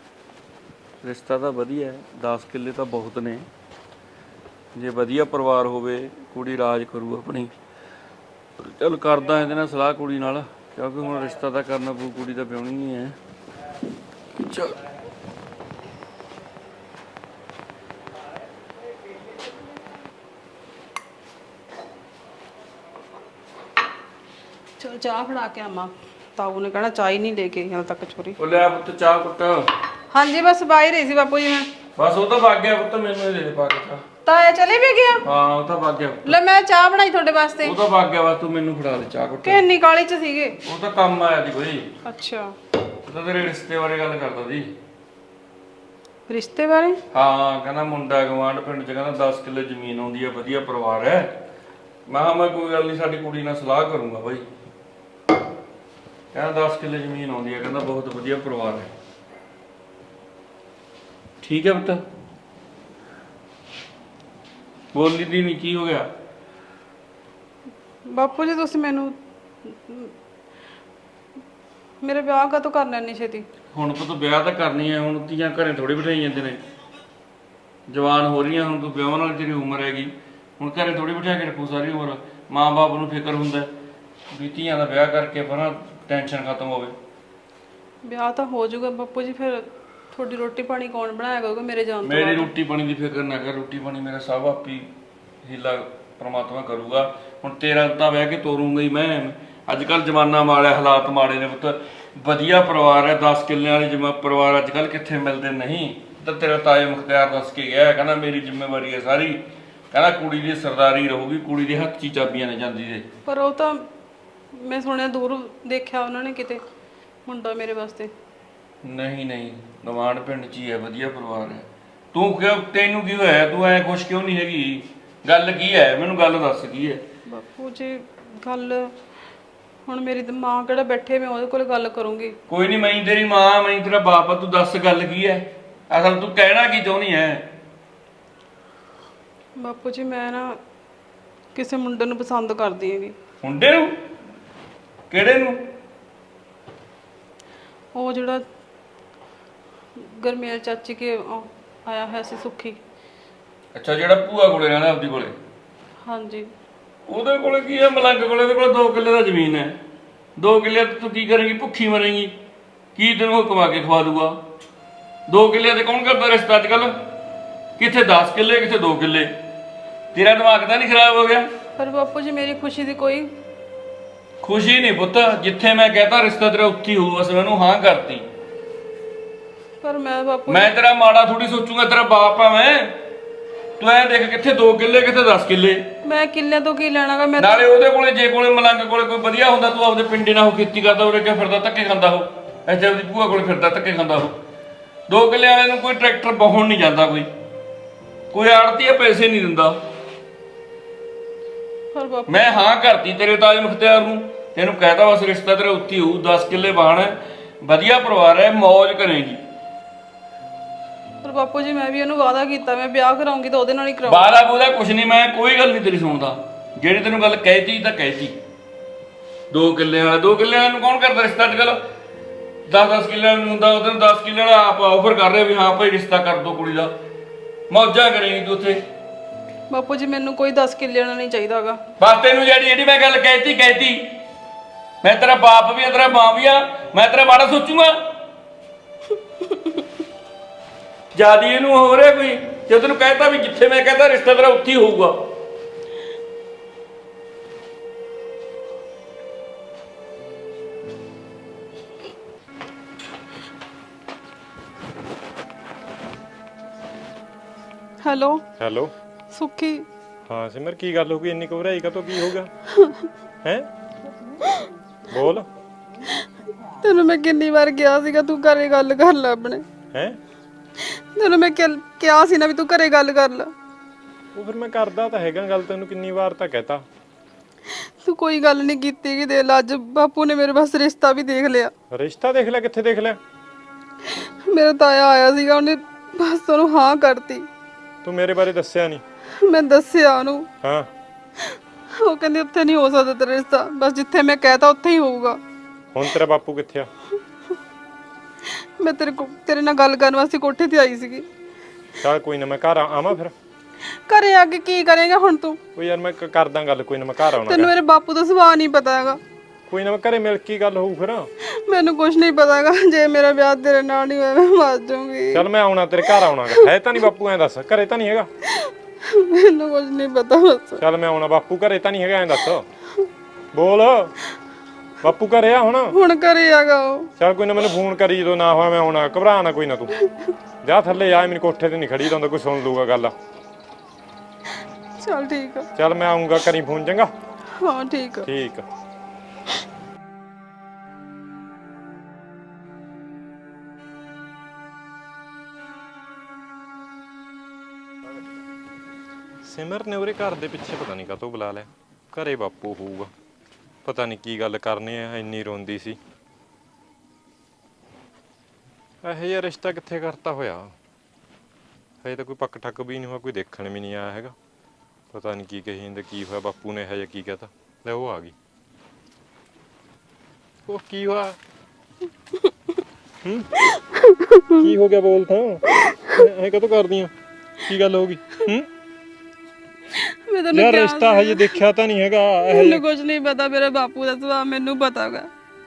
B: ਰਿਸ਼ਤਾ ਤਾਂ ਵਧੀਆ ਹੈ, ਦਸ ਕਿੱਲੇ ਤਾਂ ਬਹੁਤ ਨੇ। ਜੇ ਵਧੀਆ ਪਰਿਵਾਰ ਹੋਵੇ, ਕੁੜੀ ਰਾਜ ਕਰੂ ਆਪਣੀ। ਚੱਲ ਕਰਦਾ ਇਹਦੇ ਨਾਲ ਸਲਾਹ ਕੁੜੀ ਨਾਲ, ਕਿਉਂਕਿ ਹੁਣ ਰਿਸ਼ਤਾ ਤਾਂ ਕਰਨਾ ਪਊ, ਕੁੜੀ ਤਾਂ ਵਿਆਹੁਣੀ ਹੀ ਹੈ। ਚੱਲ
C: ਚਲ ਚਾਹ ਫੜਾ ਕੇ ਆਵਾਂ। ਤਾਊ ਨੇ ਕਹਿਣਾ ਚਾਹ ਹੀ ਨਹੀਂ ਲੈ ਕੇ ਹਾਲ ਤੱਕ ਛੋਰੀ।
B: ਉਹ ਲੈ ਪੁੱਤ ਚਾਹ ਕੁੱਟ।
C: ਹਾਂਜੀ ਬਸ ਬਾਹਰ ਰਹੀ ਸੀ ਬਾਪੂ ਜੀ ਮੈਂ।
B: ਬਸ ਉਹ ਤਾਂ ਵਗ ਗਿਆ ਪੁੱਤ, ਮੈਨੂੰ ਹੀ ਦੇ ਦੇ ਪਾ ਕੇ ਚਾਹ।
C: ਤਾਇਆ ਚਲੇ ਵੀ ਗਿਆ?
B: ਹਾਂ ਉਹ ਤਾਂ ਵਗ ਗਿਆ।
C: ਲੈ ਮੈਂ ਚਾਹ ਬਣਾਈ ਤੁਹਾਡੇ ਵਾਸਤੇ।
B: ਉਹ ਤਾਂ ਵਗ ਗਿਆ, ਬਸ ਤੂੰ ਮੈਨੂੰ ਫੜਾ ਦੇ ਚਾਹ ਕੁੱਟ।
C: ਕਿ ਇੰਨੀ ਕਾਲੀ ਚ ਸੀਗੇ?
B: ਉਹ ਤਾਂ ਕੰਮ ਆਇਆ ਸੀ ਕੋਈ।
C: ਅੱਛਾ,
B: ਉਹ ਤਾਂ ਤੇਰੇ ਰਿਸ਼ਤੇ ਬਾਰੇ ਗੱਲ ਕਰਦਾ ਸੀ।
C: ਰਿਸ਼ਤੇ ਬਾਰੇ?
B: ਹਾਂ ਕਹਿੰਦਾ ਮੁੰਡਾ ਗਵਾਂਢ ਪਿੰਡ ਚ, ਕਹਿੰਦਾ ਦਸ ਕਿੱਲੇ ਜ਼ਮੀਨ ਆਉਂਦੀ ਆ, ਵਧੀਆ ਪਰਿਵਾਰ ਹੈ। ਮੈਂ ਕਿਹਾ ਮੈਂ ਕੋਈ ਗੱਲ ਨਹੀਂ, ਸਾਡੀ ਕੁੜੀ ਨਾਲ ਸਲਾਹ ਕਰੂੰਗਾ ਬਾਈ। ਕਹਿੰਦਾ ਦਸ ਕਿੱਲੇ ਜ਼ਮੀਨ ਆਉਂਦੀ ਆ, ਕਹਿੰਦਾ ਬਹੁਤ ਵਧੀਆ ਪਰਿਵਾਰ ਹੈ। ਠੀਕ ਹੈ ਪੁੱਤ, ਬੋਲੀ ਦੀ ਨਹੀਂ, ਕੀ ਹੋ ਗਿਆ?
C: ਬਾਪੂ ਜੀ ਤੁਸੀਂ ਮੈਨੂੰ ਮੇਰੇ ਵਿਆਹ ਕਦੋਂ ਕਰਨਾ ਇੰਨੀ ਛੇਤੀ?
B: ਹੁਣ ਪੁੱਤ ਵਿਆਹ ਤਾਂ ਕਰਨੀ ਹੈ, ਹੁਣ ਧੀਆਂ ਘਰੇ ਥੋੜੀ ਬਿਠਾਈ ਜਾਂਦੇ ਨੇ। ਜਵਾਨ ਹੋ ਰਹੀਆਂ, ਹੁਣ ਤੂੰ ਵਿਆਹ ਨਾਲ ਤੇਰੀ ਉਮਰ ਹੈਗੀ, ਹੁਣ ਘਰੇ ਥੋੜੀ ਬਿਠਾ ਕੇ ਰੱਖੂ ਸਾਰੀ ਉਮਰ। ਮਾਂ ਬਾਪ ਨੂੰ ਫਿਕਰ ਹੁੰਦਾ ਵੀ ਧੀਆਂ ਦਾ ਵਿਆਹ ਕਰਕੇ ਪਰਾਂ ਟੈਨਸ਼ਨ ਖਤਮ ਹੋਵੇ।
C: ਵਿਆਹ ਤਾਂ ਹੋ ਜਾਊਗਾ ਬਾਪੂ ਜੀ, ਫਿਰ ਤੁਹਾਡੀ ਰੋਟੀ ਪਾਣੀ ਕੌਣ ਬਣਾਇਆ ਕਰੂਗਾ ਮੇਰੇ ਜਾਣ ਤੋਂ
B: ਮੇਰੀ
C: ਬਾਅਦ?
B: ਰੋਟੀ ਪਾਣੀ ਦੀ ਫਿਕਰ ਨਾ ਕਰ, ਰੋਟੀ ਪਾਣੀ ਮੇਰਾ ਸਭ ਆਪੀ ਹੀਲਾ ਪ੍ਰਮਾਤਮਾ ਕਰੂਗਾ। ਹੁਣ ਤੇਰਾ ਤਾਂ ਵਿਆਹ ਕੇ ਤੋਰੂੰਗਾ ਹੀ ਮੈਂ। ਅੱਜ ਕੱਲ ਜ਼ਮਾਨਾ ਮਾੜਾ, ਹਾਲਾਤ ਮਾੜੇ ਨੇ ਪੁੱਤ। ਵਧੀਆ ਪਰਿਵਾਰ ਹੈ, ਦਸ ਕਿੱਲਿਆਂ ਵਾਲੇ ਜਮਾ ਪਰਿਵਾਰ ਅੱਜ ਕੱਲ ਕਿੱਥੇ ਮਿਲਦੇ ਨਹੀਂ। ਤਾਂ ਤੇਰਾ ਤਾਏ ਮੁਖਤਿਆਰ ਦੱਸ ਕੇ ਗਿਆ, ਕਹਿੰਦਾ ਮੇਰੀ ਜ਼ਿੰਮੇਵਾਰੀ ਹੈ ਸਾਰੀ, ਕਹਿੰਦਾ ਕੁੜੀ ਦੀ ਸਰਦਾਰੀ ਰਹੂਗੀ, ਕੁੜੀ ਦੇ ਹੱਥ 'ਚ ਹੀ ਚਾਬੀਆਂ ਨੇ ਜਾਂਦੀ ਦੇ।
C: ਪਰ ਉਹ ਤਾਂ ਮੈਂ ਸੁਣਿਆ ਦੂਰ ਦੇਖਿਆ ਉਹਨਾਂ ਨੇ ਕਿਤੇ ਮੁੰਡਾ ਮੇਰੇ ਵਾਸਤੇ।
B: ਨਹੀਂ ਨਹੀਂ, ਗਵਾਂਢ ਪਿੰਡ 'ਚ ਹੀ ਹੈ, ਵਧੀਆ ਪਰਿਵਾਰ ਹੈ। ਤੂੰ ਕਿਉਂ, ਤੈਨੂੰ ਕੀ ਹੋਇਆ? ਤੂੰ ਐ ਖੁਸ਼ ਕਿਉਂ ਨਹੀਂ ਹੈਗੀ? ਗੱਲ ਕੀ ਹੈ, ਮੈਨੂੰ ਗੱਲ ਦੱਸ ਕੀ ਹੈ?
C: ਬਾਪੂ ਜੀ ਗੱਲ ਹੁਣ ਮੇਰੀ ਤਾਂ ਮਾਂ ਕਿਹੜਾ ਬੈਠੇ, ਮੈਂ ਉਹਦੇ ਕੋਲ ਗੱਲ ਕਰੂੰਗੀ।
B: ਕੋਈ ਨਹੀਂ, ਮੈਂ ਤੇਰੀ ਮਾਂ, ਮੈਂ ਤੇਰਾ ਬਾਪ ਆ, ਤੂੰ ਦੱਸ ਗੱਲ ਕੀ ਹੈ? ਅਸਲ ਤੂੰ ਕਹਿਣਾ ਕੀ ਚਾਹੁੰਦੀ ਹੈ?
C: ਬਾਪੂ ਜੀ ਮੈਂ ਨਾ ਕਿਸੇ ਮੁੰਡੇ ਨੂੰ ਪਸੰਦ ਕਰਦੀ ਹੈਗੀ।
B: ਮੁੰਡੇ ਨੂੰ? ਕਿਹੜੇ ਨੂੰ?
C: ਉਹ ਜਿਹੜਾ ਗਰਮੇਲ ਚਾਚੀ ਕੇ ਉਹ ਆਇਆ ਹੋਇਆ ਸੀ, ਸੁੱਖੀ।
B: ਅੱਛਾ, ਜਿਹੜਾ ਭੂਆ ਕੋਲੇ ਰਹਿੰਦਾ ਆਪਦੀ ਕੋਲੇ?
C: ਹਾਂਜੀ।
B: ਉਹਦੇ ਕੋਲੇ ਕੀ ਹੈ? ਮਲੰਗ ਕੋਲੇ ਉਹਦੇ ਕੋਲ ਦੋ ਕਿੱਲੇ ਦਾ ਜ਼ਮੀਨ ਹੈ। ਦੋ ਕਿੱਲੇ ਤੂੰ ਕੀ ਕਰੇਂਗੀ? ਭੁੱਖੀ ਮਰੇਂਗੀ? ਕੀ ਤੈਨੂੰ ਉਹ ਕਮਾ ਕੇ ਖਵਾ ਦੂਗਾ? ਦੋ ਕਿੱਲੇ ਤੇ ਕੌਣ ਕਰਦਾ ਰਿਸ਼ਤਾ ਅੱਜ ਕੱਲ? ਕਿੱਥੇ ਦਸ ਕਿੱਲੇ, ਕਿੱਥੇ ਦੋ ਕਿੱਲੇ। ਤੇਰਾ ਦਿਮਾਗ ਤਾਂ ਨਹੀਂ ਖਰਾਬ ਹੋ ਗਿਆ?
C: ਪਰ ਬਾਪੂ ਜੀ ਮੇਰੀ ਖੁਸ਼ੀ ਦੀ ਕੋਈ
B: ਖੁਸ਼ੀ ਨਹੀਂ ਪੁੱਤ, ਜਿੱਥੇ ਮੈਂ ਕਹਤਾ ਰਿਸ਼ਤਾ ਤੇਰਾ ਉੱਥੀ ਹੋਊ। ਬਸ ਮੈਨੂੰ ਹਾਂ ਕਰਤੀ।
C: ਪਰ ਮੈਂ ਬਾਪੂ
B: ਮੈਂ ਤੇਰਾ ਮਾੜਾ ਥੋੜੀ ਸੋਚੂਗਾ, ਤੇਰਾ ਬਾਪ ਆ ਮੈਂ। ਤੂੰ ਐ ਦੇਖ, ਕਿੱਥੇ ਦੋ ਕਿੱਲੇ, ਕਿੱਥੇ ਦਸ ਕਿੱਲੇ।
C: ਮੈਂ ਕਿੱਲਿਆਂ ਤੋਂ ਕੀ ਲੈਣਾਗਾ? ਮੈਂ
B: ਨਾਲੇ ਉਹਦੇ ਕੋਲੇ, ਜੇ ਕੋਲੇ ਮਲੰਗ ਕੋਲੇ ਕੋਈ ਵਧੀਆ ਹੁੰਦਾ, ਤੂੰ ਆਪਦੇ ਪਿੰਡੇ ਨਾਲ ਉਹ ਖੇਤੀ ਕਰਦਾ, ਉਰੇ ਕਿਉਂ ਫਿਰਦਾ ਧੱਕੇ ਖਾਂਦਾ? ਉਹ ਇੱਥੇ ਉਹਦੀ ਭੂਆ ਕੋਲੇ ਫਿਰਦਾ ਧੱਕੇ ਖਾਂਦਾ। ਉਹ ਦੋ ਕਿੱਲੇ ਵਾਲੇ ਨੂੰ ਕੋਈ ਟਰੈਕਟਰ ਬਹਾਉਣ ਨਹੀਂ ਜਾਂਦਾ, ਕੋਈ ਕੋਈ ਆੜਤੀ ਆ ਪੈਸੇ ਨਹੀਂ ਦਿੰਦਾ।
C: ਪਰ ਬਾਪੂ
B: ਮੈਂ ਹਾਂ ਕਰਤੀ ਤੇਰੇ ਤਾਏ ਮੁਖਤਿਆਰ ਨੂੰ, ਤੈਨੂੰ ਕਹਿਤਾ ਬਸ ਰਿਸ਼ਤਾ ਤੇਰਾ ਉੱਤੀ ਹੋਊ। ਦਸ ਕਿੱਲੇ ਬਾਹਣਾ, ਵਧੀਆ ਪਰਿਵਾਰ ਹੈ, ਮੌਜ ਕਰੇਗੀ।
C: ਪਰ ਬਾਪੂ ਜੀ ਮੈਂ ਵੀ ਉਹਨੂੰ ਵਾਅਦਾ ਕੀਤਾ, ਮੈਂ ਵਿਆਹ ਕਰਾਉਂਗੀ ਤਾਂ ਉਹਦੇ ਨਾਲ ਹੀ ਕਰਾਉਂਗੀ।
B: ਬਾਰਾ ਬੂਦਾ ਕੁਛ ਨਹੀਂ, ਮੈਂ ਕੋਈ ਗੱਲ ਨਹੀਂ ਤੇਰੀ ਸੁਣਦਾ। ਜਿਹੜੀ ਤੈਨੂੰ ਗੱਲ ਕਹਿਤੀ ਤਾਂ ਕਹਿਤੀ। ਦੋ ਕਿੱਲੇ ਵਾਲਾ, ਦੋ ਕਿੱਲੇ ਵਾਲੇ ਨੂੰ ਕੌਣ ਕਰਦਾ ਰਿਸ਼ਤਾ ਅੱਜ ਕੱਲ? ਦਸ ਦਸ ਕਿੱਲਿਆਂ ਨੂੰ ਹੁੰਦਾ, ਉਹਦੇ ਨੂੰ ਦਸ ਕਿੱਲੇ ਵਾਲਾ ਆਪ ਆਫਰ ਕਰ ਰਿਹਾ ਵੀ ਹਾਂ ਭਾਈ ਰਿਸ਼ਤਾ ਕਰ ਦੋ ਕੁੜੀ ਦਾ। ਮੌਜਾਂ ਕਰੇਗੀ ਤੂੰ ਉੱਥੇ।
C: ਬਾਪੂ ਜੀ ਮੈਨੂੰ ਕੋਈ ਦਸ ਕਿੱਲੇ ਵਾਲਾ ਨਹੀਂ ਚਾਹੀਦਾਗਾ।
B: ਬਸ ਤੈਨੂੰ ਜਿਹੜੀ ਜਿਹੜੀ ਮੈਂ ਗੱਲ ਕਹਿਤੀ ਕਹਿਤੀ। ਮੈਂ ਤੇਰਾ ਬਾਪ ਵੀ ਆ, ਤੇਰਾ ਮਾਂ ਵੀ ਆ, ਮੈਂ ਤੇਰਾ ਮਾੜਾ ਸੋਚੂਗਾ? ਜਿਆਦੀ ਇਹਨੂੰ ਹੋ ਰਿਹਾ ਕੋਈ? ਜੇ ਤੈਨੂੰ ਕਹਿਤਾ ਵੀ ਜਿੱਥੇ ਮੈਂ ਕਹਿੰਦਾ ਰਿਸ਼ਤਾ ਤੇਰਾ ਉੱਥੇ ਹੀ ਹੋਊਗਾ।
C: Hello
A: hello.
C: ਸੁੱਖੀ।
A: ਹਾਂ ਸਿਮਰ, ਕੀ ਗੱਲ ਹੋ ਗਈ? ਇੰਨੀ ਘਬਰਾਈ ਕਾਤੋਂ? ਕੀ ਹੋ ਗਿਆ ਹੈ? ਬੋਲ।
C: ਤੈਨੂੰ ਮੈਂ ਕਿੰਨੀ ਵਾਰ ਕਿਹਾ ਸੀਗਾ ਤੂੰ ਘਰੇ ਗੱਲ ਕਰ ਲੈ ਆਪਣੇ।
A: ਹੈ?
C: ਤੈਨੂੰ ਮੈਂ ਕਿਹਾ ਸੀ ਨਾ ਵੀ ਤੂੰ ਘਰੇ ਗੱਲ ਕਰ ਲੈ।
A: ਉਹ ਫਿਰ ਮੈਂ ਕਰਦਾ ਤਾਂ ਹੈਗਾ ਗੱਲ, ਤੈਨੂੰ ਕਿੰਨੀ ਵਾਰ ਤਾਂ ਕਹਿਤਾ।
C: ਤੂੰ ਕੋਈ ਗੱਲ ਨਹੀਂ ਕੀਤੀ ਕਿ ਦੇ ਲਾ, ਅੱਜ ਬਾਪੂ ਨੇ ਮੇਰੇ ਬਸ ਰਿਸ਼ਤਾ ਵੀ ਦੇਖ ਲਿਆ।
A: ਰਿਸ਼ਤਾ ਦੇਖ ਲਿਆ? ਕਿੱਥੇ ਦੇਖ ਲਿਆ?
C: ਮੇਰਾ ਤਾਇਆ ਆਇਆ ਸੀਗਾ, ਉਹਨੇ ਬਸ ਉਹਨੂੰ ਹਾਂ ਕਰਤੀ।
A: ਤੂੰ ਮੇਰੇ ਬਾਰੇ ਦੱਸਿਆ ਨਹੀਂ?
C: ਮੈਂ ਦੱਸਿਆ ਉਹਨੂੰ।
A: ਹਾਂ।
C: ਉਹ ਕਹਿੰਦੇ ਉੱਥੇ ਨਹੀਂ ਹੋ ਸਕਦਾ ਤੇਰਾ ਰਿਸ਼ਤਾ, ਬਸ ਜਿੱਥੇ ਮੈਂ ਕਹਿਤਾ ਉੱਥੇ ਹੀ ਹੋਊਗਾ।
A: ਹੁਣ ਤੇਰਾ ਬਾਪੂ ਕਿੱਥੇ ਆ?
C: ਮੈਂ ਤੇਰੇ ਕੋ ਤੇਰੇ ਨਾਲ ਗੱਲ ਕਰਨ ਵਾਸਤੇ ਕੋਠੇ ਤੇ ਆਈ ਸੀਗੀ।
A: ਚੱਲ ਕੋਈ ਨਾ, ਮੈਂ ਘਰ ਆਵਾਂ ਫਿਰ।
C: ਘਰੇ ਆ ਕੇ ਕੀ ਕਰੇਗਾ ਹੁਣ ਤੂੰ?
A: ਉਹ ਯਾਰ ਮੈਂ ਕਰਦਾ ਗੱਲ, ਕੋਈ ਨਾ ਮੈਂ ਘਰ ਆਉਣਾ।
C: ਤੈਨੂੰ ਮੇਰੇ ਬਾਪੂ ਦਾ ਸੁਭਾਅ ਨਹੀਂ ਪਤਾ ਹੈਗਾ।
A: ਕੋਈ ਨਾ ਮੈਂ ਘਰੇ ਮਿਲ ਕੇ ਗੱਲ ਹੋਊ ਫਿਰ।
C: ਮੈਨੂੰ ਕੁਝ ਨਹੀਂ ਪਤਾ ਹੈਗਾ, ਜੇ ਮੇਰਾ ਵਿਆਹ ਤੇਰੇ ਨਾਲ ਨਹੀਂ ਹੋਇਆ ਮੈਂ ਮਰ ਜਾਊਂਗੀ।
A: ਚੱਲ ਮੈਂ ਆਉਣਾ ਤੇਰੇ ਘਰ ਆਉਣਾਗਾ। ਹੈ ਤਾਂ ਨਹੀਂ ਬਾਪੂ? ਐਂ ਦੱਸ, ਘਰੇ ਤਾਂ ਨਹੀਂ ਹੈਗਾ?
C: ਮੈਨੂੰ ਕੁਝ ਨਹੀਂ ਪਤਾ ਬਸ।
A: ਚੱਲ ਮੈਂ ਆਉਣਾ। ਬਾਪੂ ਘਰੇ ਤਾਂ ਨਹੀਂ ਹੈਗਾ? ਐਂ ਦੱਸ, ਬੋਲ। ਬਾਪੂ ਘਰੇ ਆ ਹੁਣ?
C: ਹੁਣ ਘਰੇ ਆਗਾ ਉਹ।
A: ਚੱਲ ਕੋਈ ਨਾ ਮੈਨੂੰ ਫੋਨ ਕਰੀ ਜਦੋਂ ਨਾ ਹੋਇਆ, ਮੈਂ ਆਉਣਾ। ਘਬਰਾ ਨਾ ਕੋਈ ਨਾ, ਤੂੰ ਜਾ ਥੱਲੇ ਆ, ਮੈਨੂੰ ਕੋਠੇ ਤੇ ਨਹੀਂ ਖੜੀ ਦਾ ਹੁੰਦਾ, ਕੋਈ ਸੁਣ ਲੂਗਾ ਗੱਲ।
C: ਚਲ ਠੀਕ ਆ।
A: ਚੱਲ ਮੈਂ ਆਉਂਗਾ, ਕਰੀ ਫੋਨ, ਚੰਗਾ?
C: ਹਾਂ ਠੀਕ ਆ।
A: ਠੀਕ ਆ। ਸਿਮਰ ਨੇ ਉਹਦੇ ਘਰ ਦੇ ਪਿੱਛੇ ਪਤਾ ਨਹੀਂ ਕਾਹਤੋਂ ਬੁਲਾ ਲਿਆ। ਘਰੇ ਬਾਪੂ ਹੋਊਗਾ, ਪਤਾ ਨਹੀਂ ਕੀ ਗੱਲ ਕਰਨੀ ਆ, ਇੰਨੀ ਰੋਂਦੀ ਸੀ। ਇਹੋ ਜਿਹਾ ਰਿਸ਼ਤਾ ਕਿੱਥੇ ਕਰਤਾ ਹੋਇਆ? ਹਜੇ ਤਾਂ ਕੋਈ ਪੱਕ ਠੱਕ ਵੀ ਨਹੀਂ ਹੋਇਆ, ਕੋਈ ਦੇਖਣ ਵੀ ਨਹੀਂ ਆਇਆ ਹੈਗਾ। ਪਤਾ ਨਹੀਂ ਕੀ ਕਹੀ ਜਾਂਦੇ, ਕੀ ਹੋਇਆ ਬਾਪੂ ਨੇ ਇਹੋ ਜਿਹਾ ਕੀ ਕਹਤਾ। ਲੈ ਉਹ ਆ ਗਈ। ਉਹ ਕੀ ਹੋਇਆ? ਹੂੰ ਕੀ ਹੋ ਗਿਆ? ਬੋਲ ਤਾਂ, ਐ ਕਦੋਂ ਕਰਦੀਆਂ? ਕੀ ਗੱਲ ਹੋ ਗਈ? ਹੂੰ
C: ਮੈਂ ਤੈਨੂੰ
A: ਯਾਰ
C: ਕਿਹਾ
A: ਰਿਸ਼ਤਾ ਹਜੇ ਦੇਖਿਆ ਤਾਂ ਨਹੀਂ ਹੈਗਾ।
C: ਮੈਨੂੰ ਕੁਝ ਨਹੀਂ ਪਤਾ, ਮੇਰੇ ਬਾਪੂ ਦਾ ਸੁਭਾਅ ਮੈਨੂੰ ਪਤਾਗਾ।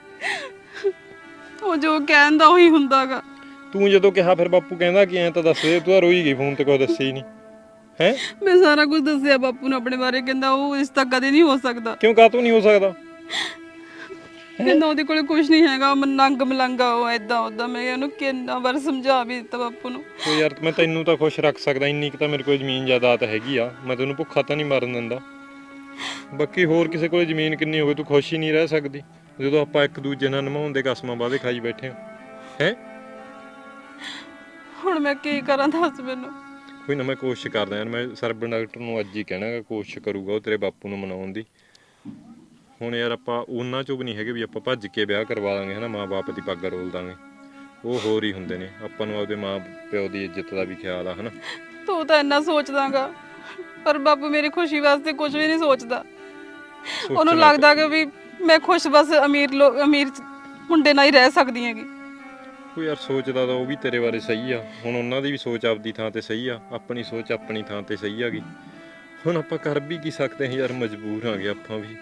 C: ਉਹ ਜੋ ਕਹਿੰਦਾ ਉਹੀ ਹੁੰਦਾਗਾ।
A: ਤੂੰ ਜਦੋਂ ਕਿਹਾ ਫਿਰ ਬਾਪੂ ਕਹਿੰਦਾ ਕਿ ਐ ਤਾਂ ਦੱਸ ਦੇ, ਤੂੰ ਤਾਂ ਰੋਈ ਗਈ, ਫੋਨ ਤੇ ਕੋਈ ਦੱਸਿਆ ਹੀ ਨਹੀਂ ਹੈ।
C: ਮੈਂ ਸਾਰਾ ਕੁਝ ਦੱਸਿਆ ਬਾਪੂ ਨੂੰ ਆਪਣੇ ਬਾਰੇ, ਕਹਿੰਦਾ ਉਹ ਰਿਸ਼ਤਾ ਕਦੇ ਨਹੀਂ ਹੋ ਸਕਦਾ।
A: ਕਿਉਂ ਕਾਹਤੋਂ ਨਹੀਂ ਹੋ ਸਕਦਾ?
C: ਕਹਿੰਦਾ ਉਹਦੇ ਕੋਲੇ ਕੁਝ ਨਹੀਂ ਹੈਗਾ, ਉਹ ਨੰਗ ਮਲੰਗਾ, ਉਹ ਏਦਾਂ ਉਦਾਂ। ਮੈਂ ਉਹਨੂੰ ਕਿੰਨਾ ਵਾਰ ਸਮਝਾ ਵੀ ਦਿੱਤਾ ਬਾਪੂ ਨੂੰ।
A: ਉਹ ਯਾਰ ਮੈਂ ਤੈਨੂੰ ਤਾਂ ਖੁਸ਼ ਰੱਖ ਸਕਦਾ, ਇੰਨੀ ਕੁ ਤਾਂ ਮੇਰੇ ਕੋਲ ਜ਼ਮੀਨ ਜਾਇਦਾਦ ਹੈਗੀ ਆ, ਮੈਂ ਤੈਨੂੰ ਭੁੱਖਾ ਤਾਂ ਨਹੀਂ ਮਰਨ ਦਿੰਦਾ। ਬਾਕੀ ਹੋਰ ਕਿਸੇ ਕੋਲ ਜ਼ਮੀਨ ਕਿੰਨੀ ਹੋਵੇ, ਤੂੰ ਖੁਸ਼ ਹੀ ਨਹੀਂ ਰਹਿ ਸਕਦੀ ਜਦੋਂ ਆਪਾਂ ਇੱਕ ਦੂਜੇ ਨਾਲ ਨਿਭਾਉਣ ਦੇ ਕਸਮਾਂ ਵਾਅਦੇ ਖਾਈ ਬੈਠੇ ਹਾਂ ਹੈ।
C: ਹੁਣ ਮੈਂ ਕੀ ਕਰਾਂ ਦੱਸ ਮੈਨੂੰ।
A: ਕੋਈ ਨਾ, ਮੈਂ ਕੋਸ਼ਿਸ਼ ਕਰਦਾ ਯਾਰ। ਮੈਂ ਸਰਬਨ ਡਾਕਟਰ ਨੂੰ ਅੱਜ ਹੀ ਕਹਿਣਾ, ਕੋਸ਼ਿਸ਼ ਕਰੂਗਾ ਉਹ ਤੇਰੇ ਬਾਪੂ ਨੂੰ ਮਨਾਉਣ ਦੀ। ਹੁਣ ਯਾਰ ਆਪਾਂ ਉਹਨਾਂ ਚੋਂ ਵੀ ਨਹੀਂ ਹੈਗੇ ਵੀ ਆਪਾਂ ਭੱਜ ਕੇ ਵਿਆਹ ਕਰਵਾ ਦਾਂਗੇ, ਹੈ ਨਾ, ਮਾਂ ਬਾਪ ਦੀ ਪੱਗ ਰੋਲ ਦਾਂਗੇ। ਉਹ ਹੋਰ ਹੀ ਹੁੰਦੇ ਨੇ। ਆਪਾਂ ਨੂੰ ਆਪਦੇ ਮਾਂ ਪਿਓ ਦੀ ਇੱਜ਼ਤ ਦਾ ਵੀ ਖਿਆਲ ਆ, ਹੈ ਨਾ।
C: ਤੂੰ ਤਾਂ ਇੰਨਾ ਸੋਚਦਾਗਾ, ਪਰ ਬਾਪੂ ਮੇਰੀ ਖੁਸ਼ੀ ਵਾਸਤੇ ਕੁਝ ਵੀ ਨਹੀਂ ਸੋਚਦਾ। ਉਹਨੂੰ ਲੱਗਦਾ ਕਿ ਵੀ ਮੈਂ ਖੁਸ਼ ਬਸ ਅਮੀਰ ਲੋਕ ਅਮੀਰ ਮੁੰਡੇ ਨਾਲ ਹੀ ਰਹਿ ਸਕਦੀ ਹੈਗੀ।
A: ਉਹ ਯਾਰ ਸੋਚਦਾ ਤਾਂ ਉਹ ਵੀ ਤੇਰੇ ਬਾਰੇ ਸਹੀ ਆ। ਹੁਣ ਉਹਨਾਂ ਦੀ ਵੀ ਸੋਚ ਆਪਦੀ ਥਾਂ ਤੇ ਸਹੀ ਆ, ਆਪਣੀ ਸੋਚ ਆਪਣੀ ਥਾਂ ਤੇ ਸਹੀ ਹੈਗੀ। ਹੁਣ ਆਪਾਂ ਕਰ ਵੀ ਕੀ ਸਕਦੇ ਹਾਂ ਯਾਰ, ਮਜਬੂਰ ਆਂਗੇ ਆਪਾਂ ਵੀ।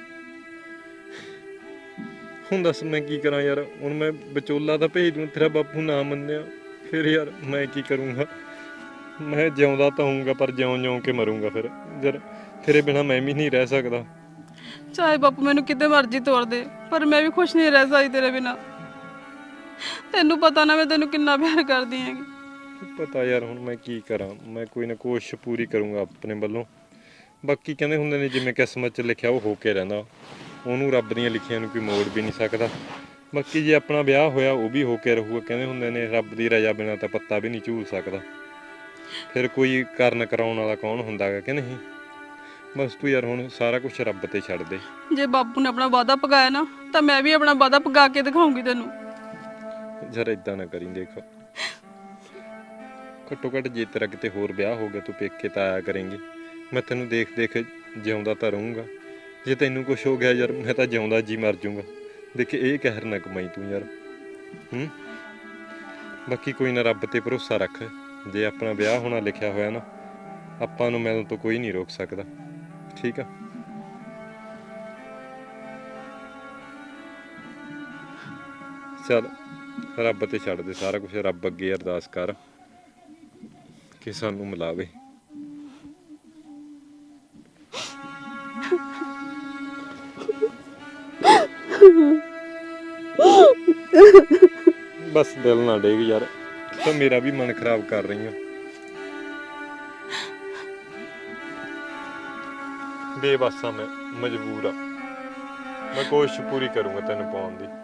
A: ਹੁਣ ਦੱਸ ਮੈਂ ਕੀ ਕਰਾਂ ਯਾਰ। ਹੁਣ ਮੈਂ ਵਿਚੋਲਾ ਤਾਂ ਭੇਜ ਦੂੰ, ਤੇਰਾ ਬਾਪੂ ਨਾ ਮੰਨਿਆ ਫਿਰ ਯਾਰ ਮੈਂ ਕੀ ਕਰੂੰਗਾ? ਮੈਂ ਜਿਉਂਦਾ ਤਾਂ ਹੋਊਂਗਾ, ਪਰ ਜਿਉਂ ਜਿਉਂ ਕੇ ਮਰੂੰਗਾ ਫਿਰ। ਯਾਰ ਤੇਰੇ ਬਿਨਾਂ ਮੈਂ ਵੀ ਨਹੀਂ ਰਹਿ ਸਕਦਾ।
C: ਚਾਹੇ ਬਾਪੂ ਮੈਨੂੰ ਕਿਤੇ ਮਰਜ਼ੀ ਤੋੜ ਦੇ, ਪਰ ਮੈਂ ਵੀ ਖੁਸ਼ ਨਹੀਂ ਰਹਿ ਸਕਦੀ ਤੇਰੇ ਬਿਨਾਂ। ਤੈਨੂੰ ਪਤਾ ਨਾ ਮੈਂ ਤੈਨੂੰ ਕਿੰਨਾ ਪਿਆਰ ਕਰਦੀ ਹੈਗੀ।
A: ਪਤਾ ਯਾਰ, ਹੁਣ ਮੈਂ ਕੀ ਕਰਾਂ। ਮੈਂ ਕੋਈ ਨਾ ਕੋਸ਼ਿਸ਼ ਪੂਰੀ ਕਰੂੰਗਾ ਆਪਣੇ ਵੱਲੋਂ। ਬਾਕੀ ਕਹਿੰਦੇ ਹੁੰਦੇ ਨੇ ਜਿਵੇਂ ਕਿਸਮਤ 'ਚ ਲਿਖਿਆ ਉਹ ਹੋ ਕੇ ਰਹਿੰਦਾ, ਉਹਨੂੰ ਰੱਬ ਦੀਆਂ ਲਿਖੀਆਂ ਨੂੰ ਕੋਈ ਮੋੜ ਵੀ ਨਹੀਂ ਸਕਦਾ। ਬਾਕੀ ਜੇ ਆਪਣਾ ਵਿਆਹ ਹੋਇਆ ਉਹ ਵੀ ਹੋ ਕੇ ਰਹੂਗਾ। ਕਹਿੰਦੇ ਹੁੰਦੇ ਨੇ ਰੱਬ ਦੀ ਰਜ਼ਾ ਬਿਨਾਂ ਤਾਂ ਪੱਤਾ ਵੀ ਨਹੀਂ ਝੂਲ ਸਕਦਾ। ਫਿਰ ਕੋਈ ਕਰਨ ਕਰਾਉਣ ਵਾਲਾ ਕੌਣ ਹੁੰਦਾ ਗਾ ਕਿ ਨਹੀਂ। ਬਸ ਤੂੰ ਯਾਰ ਹੁਣ ਸਾਰਾ ਕੁਝ ਰੱਬ ਤੇ ਛੱਡ ਦੇ।
C: ਜੇ ਬਾਪੂ ਨੇ ਆਪਣਾ ਵਾਅਦਾ ਪਕਾਇਆ ਨਾ, ਤਾਂ ਮੈਂ ਵੀ ਆਪਣਾ ਵਾਅਦਾ ਪਕਾ ਕੇ ਦਿਖਾਉਂਗੀ ਤੈਨੂੰ।
A: ਯਾਰ ਇਦਾਂ ਨਾ ਕਰੀ, ਦੇਖ ਘੱਟੋ ਘੱਟ ਜੇ ਤੇਰਾ ਕਿਤੇ ਹੋਰ ਵਿਆਹ ਹੋ ਗਿਆ, ਤੂੰ ਪੇਕੇ ਤਾਂ ਆਇਆ ਕਰੇਂਗੀ। ਮੈਂ ਤੈਨੂੰ ਦੇਖ ਦੇਖ ਜਿਉਂਦਾ ਤਾਂ ਰਹੂੰਗਾ। ਜੇ ਤੈਨੂੰ ਕੁਝ ਹੋ ਗਿਆ ਯਾਰ, ਮੈਂ ਤਾਂ ਜਿਉਂਦਾ ਜੀ ਮਰ ਜਾਊਂਗਾ। ਦੇਖ ਇਹ ਕਹਿਰ ਨਾ ਕਮਾਈ ਤੂੰ ਯਾਰ। ਹੂੰ ਬਾਕੀ ਕੋਈ ਨਾ, ਰੱਬ ਤੇ ਭਰੋਸਾ ਰੱਖ। ਜੇ ਆਪਣਾ ਵਿਆਹ ਹੋਣਾ ਲਿਖਿਆ ਹੋਇਆ ਨਾ, ਆਪਾਂ ਨੂੰ ਮਿਲਣ ਤੋਂ ਕੋਈ ਨਹੀਂ ਰੋਕ ਸਕਦਾ। ਠੀਕ ਆ? ਚੱਲ ਰੱਬ ਤੇ ਛੱਡ ਦੇ ਸਾਰਾ ਕੁਝ। ਰੱਬ ਅੱਗੇ ਅਰਦਾਸ ਕਰ ਕਿ ਸਾਨੂੰ ਮਿਲਾਵੇ। ਬਸ ਦਿਲ ਨਾ ਡੇਗ ਯਾਰ, ਤਾਂ ਮੇਰਾ ਵੀ ਮਨ ਖਰਾਬ ਕਰ ਰਹੀ ਆ। ਬੇਬਸ ਆ ਮੈਂ, ਮਜਬੂਰ ਆ। ਮੈਂ ਕੋਸ਼ਿਸ਼ ਪੂਰੀ ਕਰੂੰਗਾ ਤੈਨੂੰ ਪਾਉਣ ਦੀ।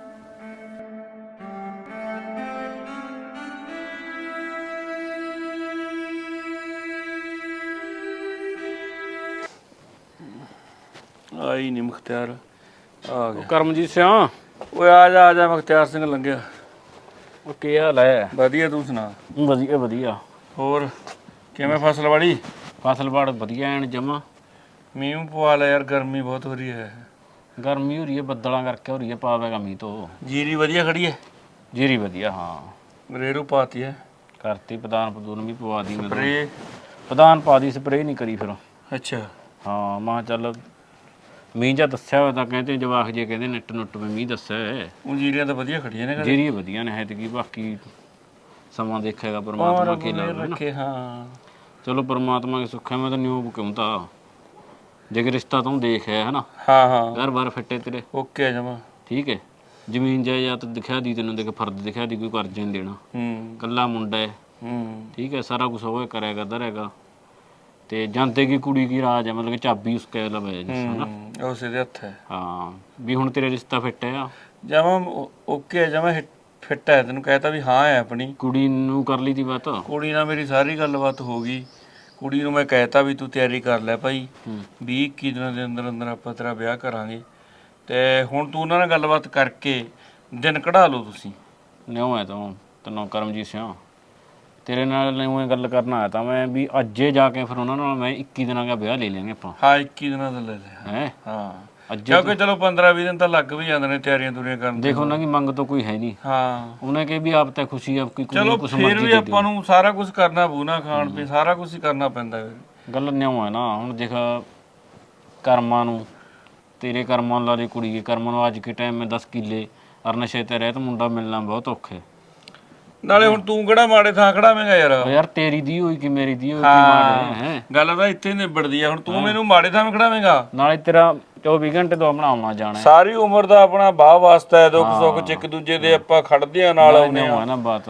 B: ਆਈ ਨਹੀਂ ਮੁਖਤਿਆਰ, ਆ ਗਿਆ ਕਰਮਜੀਤ ਸਿੰਘ। ਓਏ ਆ ਜਾ ਆ ਜਾ, ਮੁਖਤਿਆਰ ਸਿੰਘ ਲੰਘਿਆ।
C: ਉਹ ਕੀ ਹਾਲ ਹੈ?
B: ਵਧੀਆ, ਤੂੰ ਸੁਣਾ?
C: ਵਧੀਆ ਵਧੀਆ।
B: ਹੋਰ ਕਿਵੇਂ ਫਸਲਵਾੜੀ?
C: ਫਸਲਬਾੜ ਵਧੀਆ ਐਨ ਜਮਾ।
B: ਮੀਂਹ ਪਵਾ ਲਿਆ ਯਾਰ, ਗਰਮੀ ਬਹੁਤ ਹੋ ਰਹੀ ਹੈ।
C: ਗਰਮੀ ਹੋ ਰਹੀ ਹੈ, ਬੱਦਲਾਂ ਕਰਕੇ ਹੋ ਰਹੀ ਹੈ, ਪਾਵੇਗਾ ਮੀਂਹ ਤੋਂ।
B: ਜੀਰੀ ਵਧੀਆ ਖੜੀ ਹੈ?
C: ਜੀਰੀ ਵਧੀਆ, ਹਾਂ।
B: ਰੇਰੂ ਪਾਤੀ ਹੈ?
C: ਕਰਤੀ, ਪ੍ਰਧਾਨ ਪ੍ਰਧੂਨ ਵੀ ਪਵਾ ਦੀ।
B: ਸਪਰੇ?
C: ਪ੍ਰਧਾਨ ਪਾ ਦੀ, ਸਪਰੇ ਨਹੀਂ ਕਰੀ ਫਿਰ।
B: ਅੱਛਾ
C: ਹਾਂ, ਮੈਂ ਚੱਲ ਮੀਂਹ ਜਾਂ ਦੱਸਿਆ ਹੋਇਆ ਤਾਂ ਕਹਿੰਦੇ ਜਵਾਕ ਜੇ ਕਹਿੰਦੇ ਨੱਟ ਨੁੱਟ ਵੀ ਮੀਂਹ ਦੱਸਿਆ।
B: ਉਹ ਜੀਰੀਆਂ ਤਾਂ ਵਧੀਆ ਖੜੀਆਂ ਨੇ।
C: ਜੀਰੀ ਵਧੀਆ ਨੇ ਹੈ ਤੇ ਕੀ, ਬਾਕੀ ਸਮਾਂ ਦੇਖੇਗਾ ਪਰਮਾਤਮਾ ਕੀ ਲੱਗਦਾ।
B: ਹਾਂ
C: ਚਲੋ ਪਰਮਾਤਮਾ ਕੇ ਸੁੱਖ ਹੈ। ਮੈਂ ਤਾਂ ਨਿਊ ਕਿਉਂ ਤਾਂ ਜੇ ਰਿਸ਼ਤਾ ਤੂੰ ਦੇਖ ਹੈ ਹਨਾ।
B: ਹਾਂ ਹਾਂ,
C: ਘਰ ਬਾਰ ਫਿੱਟੇ ਤੇਰੇ
B: ਓਕੇ ਜਮਾ ਠੀਕ ਹੈ। ਜ਼ਮੀਨ ਜਾਇਦਾਦ ਦਿਖਾ ਦੀ ਤੈਨੂੰ, ਦੇਖ ਫਰਦ ਦਿਖਾ ਦੀ, ਕੋਈ ਕਰਜ਼ਾ ਨਹੀਂ ਦੇਣਾ,
D: ਹੂੰ
B: ਕੱਲਾ ਮੁੰਡਾ ਹੈ,
D: ਹੂੰ
B: ਠੀਕ ਹੈ। ਸਾਰਾ ਕੁਝ ਉਹ ਕਰਿਆ ਕਰਦਾ ਰਹੇਗਾ, ਤੇ ਜਾਂਦੇ ਕੀ ਕੁੜੀ ਕੀ ਰਾਜ ਹੈ, ਮਤਲਬ ਕਿ ਚਾਬੀ ਉਸ ਕੇ ਲਵੇ ਜਿਸ ਹਨਾ।
D: ਹੂੰ ਉਸ ਦੇ ਹੱਥ ਹੈ।
B: ਹਾਂ ਵੀ ਹੁਣ ਤੇਰਾ ਰਿਸ਼ਤਾ ਫਿੱਟ ਹੈ ਆ,
D: ਜਮਾ ਓਕੇ ਜਮਾ ਫਿੱਟ ਹੈ, ਤੈਨੂੰ ਕਹਿਤਾ ਵੀ ਹਾਂ ਹੈ ਆਪਣੀ।
B: ਕੁੜੀ ਨੂੰ ਕਰ ਲਈ ਦੀ ਬਾਤ।
D: ਕੁੜੀ ਨਾਲ ਮੇਰੀ ਸਾਰੀ ਗੱਲਬਾਤ ਹੋ ਗਈ। ਕੁੜੀ ਨੂੰ ਮੈਂ ਕਹਿਤਾ ਵੀ ਤੂੰ ਤਿਆਰੀ ਕਰ ਲੈ ਭਾਈ, ਵੀਹ ਇੱਕੀ ਦਿਨਾਂ ਦੇ ਅੰਦਰ ਅੰਦਰ ਆਪਾਂ ਤੇਰਾ ਵਿਆਹ ਕਰਾਂਗੇ। ਤੇ ਹੁਣ ਤੂੰ ਉਹਨਾਂ ਨਾਲ ਗੱਲਬਾਤ ਕਰਕੇ ਦਿਨ ਕਢਾ ਲਓ ਤੁਸੀਂ।
B: ਨਿਉ ਹੈ ਤੂੰ ਤੈਨੂੰ ਕਰਮਜੀਤ ਸਿੰਘ, ਤੇਰੇ ਨਾਲ ਨਿਉ ਗੱਲ ਕਰਨ ਆਇਆ ਤਾਂ ਮੈਂ ਵੀ ਅੱਜੇ ਜਾ ਕੇ ਫਿਰ ਉਹਨਾਂ ਨਾਲ ਮੈਂ ਇੱਕੀ ਦਿਨਾਂ ਦਾ ਵਿਆਹ ਲੈ ਲੈਂਗੇ ਆਪਾਂ।
D: ਹਾਂ ਇੱਕੀ ਦਿਨਾਂ ਦਾ ਲੈ ਲਿਆ
B: ਹੈ
D: ਹਾਂ,
B: ਅੱਜੇ।
D: ਕਿਉਂਕਿ ਚਲੋ ਪੰਦਰਾਂ ਵੀਹ ਦਿਨ ਤਾਂ ਲੱਗ ਵੀ ਜਾਂਦੇ ਨੇ ਤਿਆਰੀਆਂ ਤੁਰੀਆਂ ਕਰਨ।
B: ਦੇਖ ਉਹਨਾਂ ਦੀ ਮੰਗ ਤਾਂ ਕੋਈ ਹੈ ਨਹੀਂ,
D: ਹਾਂ
B: ਉਹਨੇ ਕਿ ਵੀ ਆਪ ਤਾਂ ਖੁਸ਼ੀ ਆਪ ਕੀ
D: ਚਲੋ ਫਿਰ ਵੀ ਆਪਾਂ ਨੂੰ ਸਾਰਾ ਕੁਝ ਕਰਨਾ ਪਊ ਨਾ, ਖਾਣ ਪੀਣ ਸਾਰਾ ਕੁਝ ਹੀ ਕਰਨਾ ਪੈਂਦਾ।
B: ਗੱਲ ਨਿਉ ਹੈ ਨਾ, ਹੁਣ ਦੇਖ ਕਰਮਾਂ ਨੂੰ, ਤੇਰੇ ਕਰਮਾਂ ਲਾ ਦੇ ਕੁੜੀ ਦੇ ਕਰਮਾਂ ਨੂੰ ਅੱਜ ਕੇ ਟਾਈਮ ਮੈਂ ਦਸ ਕਿੱਲੇ ਅਰ ਨਸ਼ੇ ਤੇ ਰਹਿਤ ਮੁੰਡਾ ਮਿਲਣਾ ਬਹੁਤ ਔਖਾ ਹੈ।
D: ਨਾਲੇ ਹੁਣ ਤੂੰ ਕਿਹੜਾ ਮਾੜੇ ਥਾਂ ਖੜਾਵੇਂਗਾ ਯਾਰ।
B: ਉਹ ਯਾਰ ਤੇਰੀ ਦੀ ਹੋਈ ਕਿ ਮੇਰੀ ਦੀ ਹੋਈ, ਕੀ ਮਾੜੇ ਹੈ
D: ਗੱਲ ਤਾਂ ਇੱਥੇ ਨਿਬੜਦੀ ਆ। ਹੁਣ ਤੂੰ ਮੈਨੂੰ ਮਾੜੇ ਥਾਂ ਖੜਾਵੇਂਗਾ,
B: ਨਾਲੇ ਤੇਰਾ ਚੌਵੀ ਘੰਟੇ ਤੋਂ ਆਪਣਾ ਆਉਣਾ ਜਾਣਾ।
D: ਸਾਰੀ ਉਮਰ ਦਾ ਆਪਣਾ ਬਾਹ ਵਾਸਤਾ ਹੈ, ਦੁੱਖ ਸੁੱਖ ਚ ਇੱਕ ਦੂਜੇ ਦੇ ਆਪਾਂ ਖੜਦੇ ਆ ਨਾਲ ਆਉਂਦੇ ਆ।
B: ਹੈ ਨਾ ਬਾਤ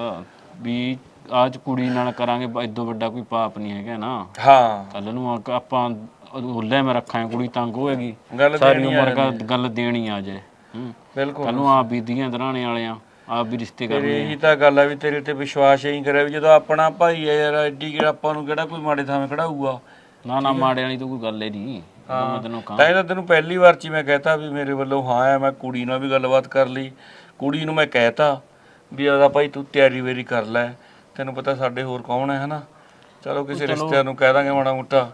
B: ਵੀ ਅੱਜ ਕੁੜੀ ਨਾਲ ਕਰਾਂਗੇ, ਇਦੋਂ ਵੱਡਾ ਕੋਈ ਪਾਪ ਨਹੀਂ ਹੈਗਾ ਨਾ।
D: ਹਾਂ
B: ਕੱਲ ਨੂੰ ਆ- ਆਪਾਂ ਹੁੱਲੇ ਮੈਂ ਰੱਖਾਂਗੇ, ਕੁੜੀ ਤੰਗ ਹੋਏਗੀ,
D: ਗੱਲ
B: ਸਾਰੀ ਉਮਰ ਦਾ ਗੱਲ ਦੇਣੀ ਆ ਜਾਏ। ਹੂੰ
D: ਬਿਲਕੁਲ
B: ਕੱਲ ਨੂੰ ਆਪ ਬੀਦੀਆਂ ਦਰਾਣੇ ਵਾਲਿਆਂ ਆਪ ਵੀ ਰਿਸ਼ਤੇ ਕਰਨੇ।
D: ਇਹੀ ਤਾਂ ਗੱਲ ਆ ਵੀ ਤੇਰੇ ਤੇ ਵਿਸ਼ਵਾਸ ਹੀ ਕਰਿਆ ਵੀ ਜਦੋਂ ਆਪਣਾ ਭਾਈ ਆ ਯਾਰ, ਐਡੀ ਕਿਹੜਾ ਆਪਾਂ ਨੂੰ ਕਿਹੜਾ ਕੋਈ ਮਾੜੇ ਥਾਂ ਖੜਾਊਗਾ।
B: ਨਾ ਨਾ ਮਾੜੇ ਵਾਲੀ ਤਾਂ ਕੋਈ ਗੱਲ ਹੀ ਨਹੀਂ। ਮੈਂ ਤੈਨੂੰ ਕਹਾਂ
D: ਤਾਂ ਇਹ ਤਾਂ ਤੈਨੂੰ ਪਹਿਲੀ ਵਾਰ ਚ ਹੀ ਮੈਂ ਕਹਿਤਾ ਵੀ ਮੇਰੇ ਵੱਲੋਂ ਹਾਂ ਹੈ। ਮੈਂ ਕੁੜੀ ਨਾਲ ਵੀ ਗੱਲਬਾਤ ਕਰ ਲਈ, ਕੁੜੀ ਨੂੰ ਮੈਂ ਕਹਿਤਾ ਵੀ ਉਹਦਾ ਭਾਈ ਤੂੰ ਤਿਆਰੀ ਵੇਰੀ ਕਰ ਲੈ, ਤੈਨੂੰ ਪਤਾ ਸਾਡੇ ਹੋਰ ਕੌਣ ਹੈ ਹਨਾ। ਚਲੋ ਕਿਸੇ ਰਿਸ਼ਤਿਆਂ ਨੂੰ ਕਹਿ ਦਾਂਗੇ ਮਾੜਾ ਮੋਟਾ,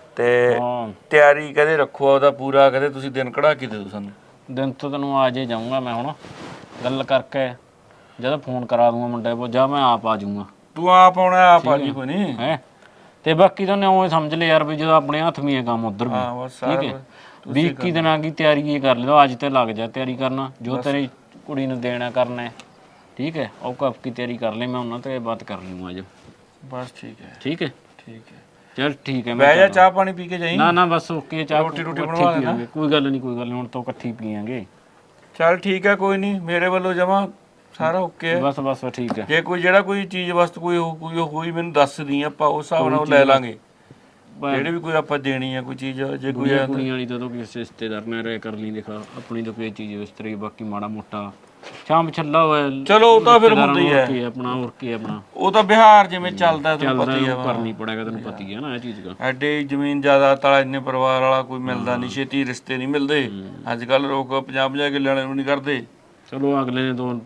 D: ਤੇ ਤਿਆਰੀ ਕਦੇ ਰੱਖੋ ਉਹਦਾ ਪੂਰਾ, ਕਦੇ ਤੁਸੀਂ ਦਿਨ ਕਢਾ ਕੇ ਦਿਓ ਸਾਨੂੰ।
B: ਦਿਨ ਤੋਂ ਤੈਨੂੰ ਆ ਜੇ ਜਾਊਂਗਾ ਮੈਂ, ਹੁਣ ਗੱਲ ਕਰਕੇ ਜਦੋਂ ਫੋਨ ਕਰਾ ਦੂੰਗਾ ਮੁੰਡੇ ਕੋਲ, ਜਾਂ ਮੈਂ ਆਪ ਆ ਜਾਊਂਗਾ।
D: ਤੂੰ ਆਪ ਆਉਣਾ, ਆਪ ਆ ਜੀ ਕੋਈ ਨਹੀਂ
B: ਹੈ। ਤੇ ਬਾਕੀ ਤਾਂ ਉਹ ਸਮਝ ਲੈ ਯਾਰ ਵੀ ਜਦੋਂ ਆਪਣੇ ਹੱਥ ਵੀ ਹੈ ਕੰਮ ਉਧਰ ਵੀ,
D: ਹਾਂ ਬਸ
B: ਠੀਕ ਹੈ। ਵੀਹ ਇੱਕੀ ਦਿਨਾਂ ਦੀ ਤਿਆਰੀ ਇਹ ਕਰ ਲਿਓ, ਅੱਜ ਤੇ ਲੱਗ ਜਾ ਤਿਆਰੀ ਕਰਨਾ, ਜੋ ਤੇਰੀ ਕੁੜੀ ਨੂੰ ਦੇਣਾ ਕਰਨਾ ਹੈ, ਠੀਕ ਹੈ। ਉਹ ਕਬ ਕੀ ਤਿਆਰੀ ਕਰ ਲੈ, ਮੈਂ ਉਹਨਾਂ ਤੇ ਬਾਤ ਕਰ ਲੂੰਗਾ ਅੱਜ।
D: ਬਸ ਠੀਕ ਹੈ
B: ਠੀਕ ਹੈ
D: ਠੀਕ ਹੈ
B: ਚਲ ਠੀਕ ਹੈ।
D: ਬਹਿ ਜਾ, ਚਾਹ ਪਾਣੀ ਪੀ ਕੇ ਜਾਈਂ।
B: ਨਾ ਨਾ ਬਸ ਓਕੇ, ਚਾਹ
D: ਰੋਟੀ ਰੋਟੀ
B: ਇਕੱਠੀ
D: ਬਣਵਾ ਲੈਣਾ।
B: ਪੀਵਾਂਗੇ, ਕੋਈ ਗੱਲ ਨਹੀਂ ਕੋਈ ਗੱਲ ਨਹੀਂ, ਹੁਣ ਤੋਂ ਇਕੱਠੀ ਪੀਵਾਂਗੇ।
D: ਚੱਲ ਠੀਕ ਹੈ, ਕੋਈ ਨਹੀਂ, ਮੇਰੇ ਵੱਲੋਂ ਜਮਾ ਸਾਰਾ ਓਕੇ ਹੈ।
B: ਬਸ ਬਸ ਠੀਕ ਹੈ।
D: ਜੇ ਕੋਈ ਜਿਹੜਾ ਕੋਈ ਚੀਜ਼ ਵਸਤ ਕੋਈ ਹੋ- ਕੋਈ ਹੋਈ ਮੈਨੂੰ ਦੱਸ ਦੀ, ਆਪਾਂ ਉਸ ਹਿਸਾਬ ਨਾਲ ਉਹ ਲੈ ਲਾਂਗੇ। ਜਿਹੜੀ ਵੀ ਕੋਈ ਆਪਾਂ ਦੇਣੀ ਆ ਕੋਈ ਚੀਜ਼, ਜੇ ਕੋਈ
B: ਕੁੜੀਆਂ ਕੁੜੀਆਂ ਵਾਲੀ ਤਾਂ ਤੂੰ ਕਿਸੇ ਰਿਸ਼ਤੇਦਾਰ ਨਾਲ ਰਹਿ ਕਰ ਲਈ, ਦੇਖਾ ਆਪਣੀ ਤਾਂ ਕੋਈ ਚੀਜ਼ ਇਸ ਤਰ੍ਹਾਂ ਹੀ, ਬਾਕੀ ਮਾੜਾ ਮੋਟਾ ਸ਼ਾਮ ਛੱਲਾ ਹੋਇਆ
D: ਚਲੋ ਉਹ ਤਾਂ ਫਿਰ ਹੁੰਦਾ ਹੀ ਹੈ।
B: ਕੀ ਆਪਣਾ ਹੋਰ ਕੀ ਆਪਣਾ
D: ਉਹ ਤਾਂ ਬਿਹਾਰ ਜਿਵੇਂ ਚੱਲਦਾ ਤੈਨੂੰ
B: ਚੱਲਦਾ,
D: ਪਤਾ ਹੀ ਆ।
B: ਉਹ ਕਰਨੀ ਪੜੇਗਾ, ਤੈਨੂੰ ਪਤਾ ਹੀ ਹੈ ਨਾ ਇਹ ਚੀਜ਼ ਦਾ।
D: ਐਡੇ ਜ਼ਮੀਨ ਜਾਇਦਾਦ ਵਾਲਾ ਇੰਨੇ ਪਰਿਵਾਰ ਵਾਲਾ ਕੋਈ ਮਿਲਦਾ ਨਹੀਂ, ਛੇਤੀ ਰਿਸ਼ਤੇ ਨਹੀਂ ਮਿਲਦੇ ਅੱਜ ਕੱਲ। ਲੋਕ ਪੰਜਾਹ ਪੰਜਾਹ ਕਿੱਲੇ ਵਾਲੇ ਨੂੰ ਨਹੀਂ ਕਰਦੇ।
B: ਚਲੋ ਅਗਲੇ ਨੇ ਤੋਂ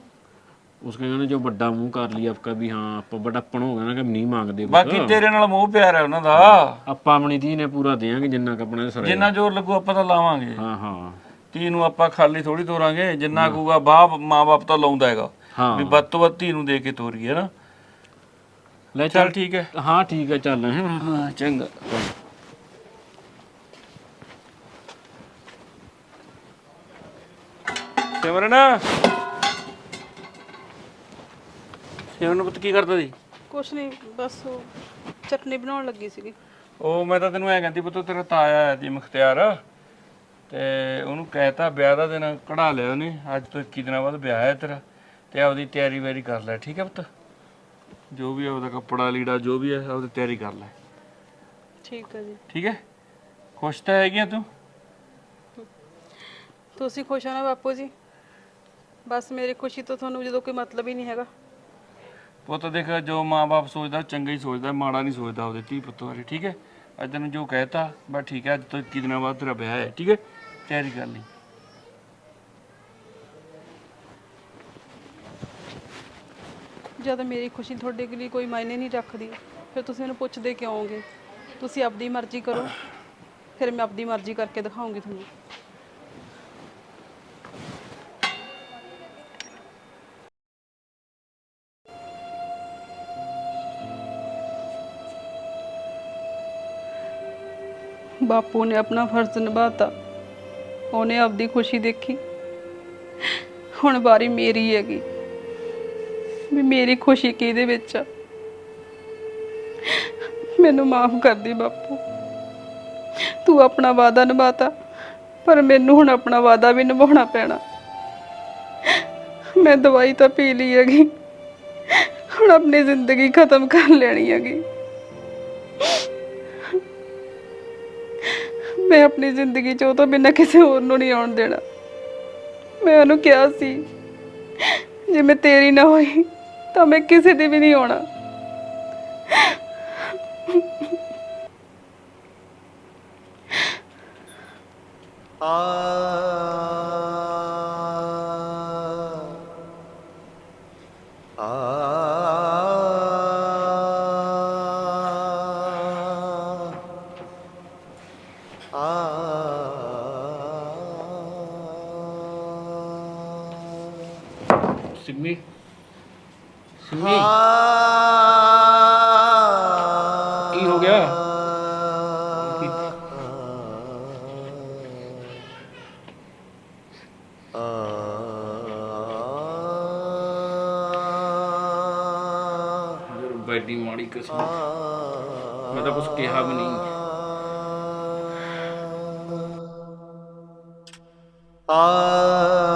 B: ਉਸ ਕਹਿੰਦੇ ਜੋ ਵੱਡਾ ਮੂੰਹ ਕਰ ਲਈ ਆਪਕਾ ਵੀ ਹਾਂ ਆਪਾਂ ਵੱਡਾਪਣ ਹੋ ਗਿਆ ਨਾ ਕਿ ਨਹੀਂ ਮੰਗਦੇ।
D: ਬਾਕੀ ਤੇਰੇ ਨਾਲ ਮੋਹ ਪਿਆਰ ਹੈ ਉਹਨਾਂ ਦਾ,
B: ਆਪਾਂ ਆਪਣੀ ਧੀ ਨੇ ਪੂਰਾ ਦੇਾਂਗੇ ਜਿੰਨਾ ਕ ਆਪਣੇ ਸਰੇ,
D: ਜਿੰਨਾ ਜ਼ੋਰ ਲੱਗੂ ਆਪਾਂ ਤਾਂ ਲਾਵਾਂਗੇ।
B: ਹਾਂ ਹਾਂ
D: ਧੀ ਨੂੰ ਆਪਾਂ ਖਾਲੀ ਥੋੜੀ ਤੋਰਾਂਗੇ, ਜਿੰਨਾ ਕੂਗਾ ਬਾਪ ਮਾਂ ਬਾਪ ਤਾਂ ਲਾਉਂਦਾ ਹੈਗਾ
B: ਹਾਂ
D: ਵੀ ਵੱਧ ਤੋਂ ਵੱਧ ਧੀ ਨੂੰ ਦੇ ਕੇ ਤੋਰੀਏ ਨਾ।
B: ਲੈ
D: ਚੱਲ ਠੀਕ ਹੈ।
B: ਹਾਂ ਠੀਕ ਹੈ ਚੱਲ।
D: ਹਾਂ ਚੰਗਾ। ਸਿਮਰਨ ਸਿਮਰਨ ਪੁੱਤ ਕੀ ਕਰਦਾ ਸੀ?
C: ਕੁਛ ਨਹੀਂ, ਬਸ ਉਹ ਚਟਨੀ ਬਣਾਉਣ ਲੱਗੀ ਸੀਗੀ।
D: ਉਹ ਮੈਂ ਤਾਂ ਤੈਨੂੰ ਐ ਕਹਿੰਦੀ ਪੁੱਤ, ਤੇਰਾ ਤਾਇਆ ਆਇਆ ਸੀ ਮੁਖਤਿਆਰ, ਤੇ ਉਹਨੂੰ ਕਹਿਤਾ ਵਿਆਹ ਦਾ ਦਿਨ ਕਢਾ ਲਿਆ ਉਹਨੇ, ਅੱਜ ਤੋਂ ਇੱਕੀ ਦਿਨਾਂ ਬਾਅਦ ਵਿਆਹ ਹੈ ਤੇਰਾ, ਤੇ ਆਪਦੀ ਤਿਆਰੀ ਵੈਰੀ ਕਰ ਲੈ, ਠੀਕ ਹੈ ਪੁੱਤ। ਜੋ ਵੀ ਹੈ ਉਹਦਾ ਕੱਪੜਾ ਲੀੜਾ ਜੋ ਵੀ ਹੈ ਉਹਦੀ ਤਿਆਰੀ ਕਰ ਲੈ,
C: ਠੀਕ ਹੈ ਜੀ।
D: ਠੀਕ ਹੈ। ਖੁਸ਼ ਤਾਂ ਹੈਗੀਆਂ ਤੂੰ?
C: ਤੁਸੀਂ ਖੁਸ਼ ਹੋ ਨਾ ਬਾਪੂ ਜੀ? ਬਸ ਮੇਰੀ ਖੁਸ਼ੀ ਤੋਂ ਤੁਹਾਨੂੰ ਜਦੋਂ ਕੋਈ ਮਤਲਬ ਹੀ ਨਹੀਂ ਹੈਗਾ।
D: ਪੁੱਤ ਦੇਖ, ਜੋ ਮਾਂ-ਬਾਪ ਸੋਚਦਾ ਚੰਗਾ ਹੀ ਸੋਚਦਾ, ਮਾੜਾ ਨਹੀਂ ਸੋਚਦਾ ਉਹਦੇ ਧੀ ਪੁੱਤ ਬਾਰੇ, ਠੀਕ ਹੈ। ਅੱਜ ਤੈਨੂੰ ਜੋ ਕਹਿਤਾ ਬਸ ਠੀਕ ਹੈ, ਅੱਜ ਤੋਂ ਇੱਕੀ ਦਿਨਾਂ ਬਾਅਦ ਤੇਰਾ ਵਿਆਹ ਹੈ, ਠੀਕ ਹੈ। ਤਿਆਰੀ ਕਰ ਲਈ।
C: ਜਦ ਮੇਰੀ ਖੁਸ਼ੀ ਤੁਹਾਡੇ ਲਈ ਕੋਈ ਮਾਇਨੇ ਨਹੀਂ ਰੱਖਦੀ, ਫਿਰ ਤੁਸੀਂ ਮੈਨੂੰ ਪੁੱਛਦੇ ਕਿਉਂ ਹੋਗੇ? ਤੁਸੀਂ ਆਪਣੀ ਮਰਜ਼ੀ ਕਰੋ, ਫਿਰ ਮੈਂ ਆਪਣੀ ਮਰਜ਼ੀ ਕਰਕੇ ਦਿਖਾਉਂਗੀ ਤੁਹਾਨੂੰ। ਬਾਪੂ ਨੇ ਆਪਣਾ ਫਰਜ਼ ਨਿਭਾਤਾ, ਉਹਨੇ ਆਪਦੀ ਖੁਸ਼ੀ ਦੇਖੀ, ਹੁਣ ਵਾਰੀ ਮੇਰੀ ਹੈਗੀ ਵੀ ਮੇਰੀ ਖੁਸ਼ੀ ਕਿਹਦੇ ਵਿੱਚ ਆ। ਮੈਨੂੰ ਮਾਫ ਕਰ ਦੇ ਬਾਪੂ, ਤੂੰ ਆਪਣਾ ਵਾਅਦਾ ਨਿਭਾਤਾ, ਪਰ ਮੈਨੂੰ ਹੁਣ ਆਪਣਾ ਵਾਅਦਾ ਵੀ ਨਿਭਾਉਣਾ ਪੈਣਾ। ਮੈਂ ਦਵਾਈ ਤਾਂ ਪੀ ਲਈ ਹੈਗੀ, ਹੁਣ ਆਪਣੀ ਜ਼ਿੰਦਗੀ ਖਤਮ ਕਰ ਲੈਣੀ ਹੈਗੀ। ਮੈਂ ਆਪਣੀ ਜ਼ਿੰਦਗੀ 'ਚ ਉਹ ਤੋਂ ਬਿਨਾਂ ਕਿਸੇ ਹੋਰ ਨੂੰ ਨਹੀਂ ਆਉਣ ਦੇਣਾ। ਮੈਂ ਉਹਨੂੰ ਕਿਹਾ ਸੀ ਜੇ ਮੈਂ ਤੇਰੀ ਨਾ ਹੋਈ ਤਾਂ ਮੈਂ ਕਿਸੇ ਦੀ ਵੀ ਨਹੀਂ ਆਉਣਾ।
B: ਸਿੰਮੀ ਸਿੰਮੀ ਕੀ ਹੋ ਗਿਆ? ਬੈਡੀ ਮਾੜੀ ਕਿਸਮਤ, ਮੈਂ ਤਾਂ ਕੁਛ ਕਿਹਾ ਵੀ ਨਹੀਂ।
E: ਆ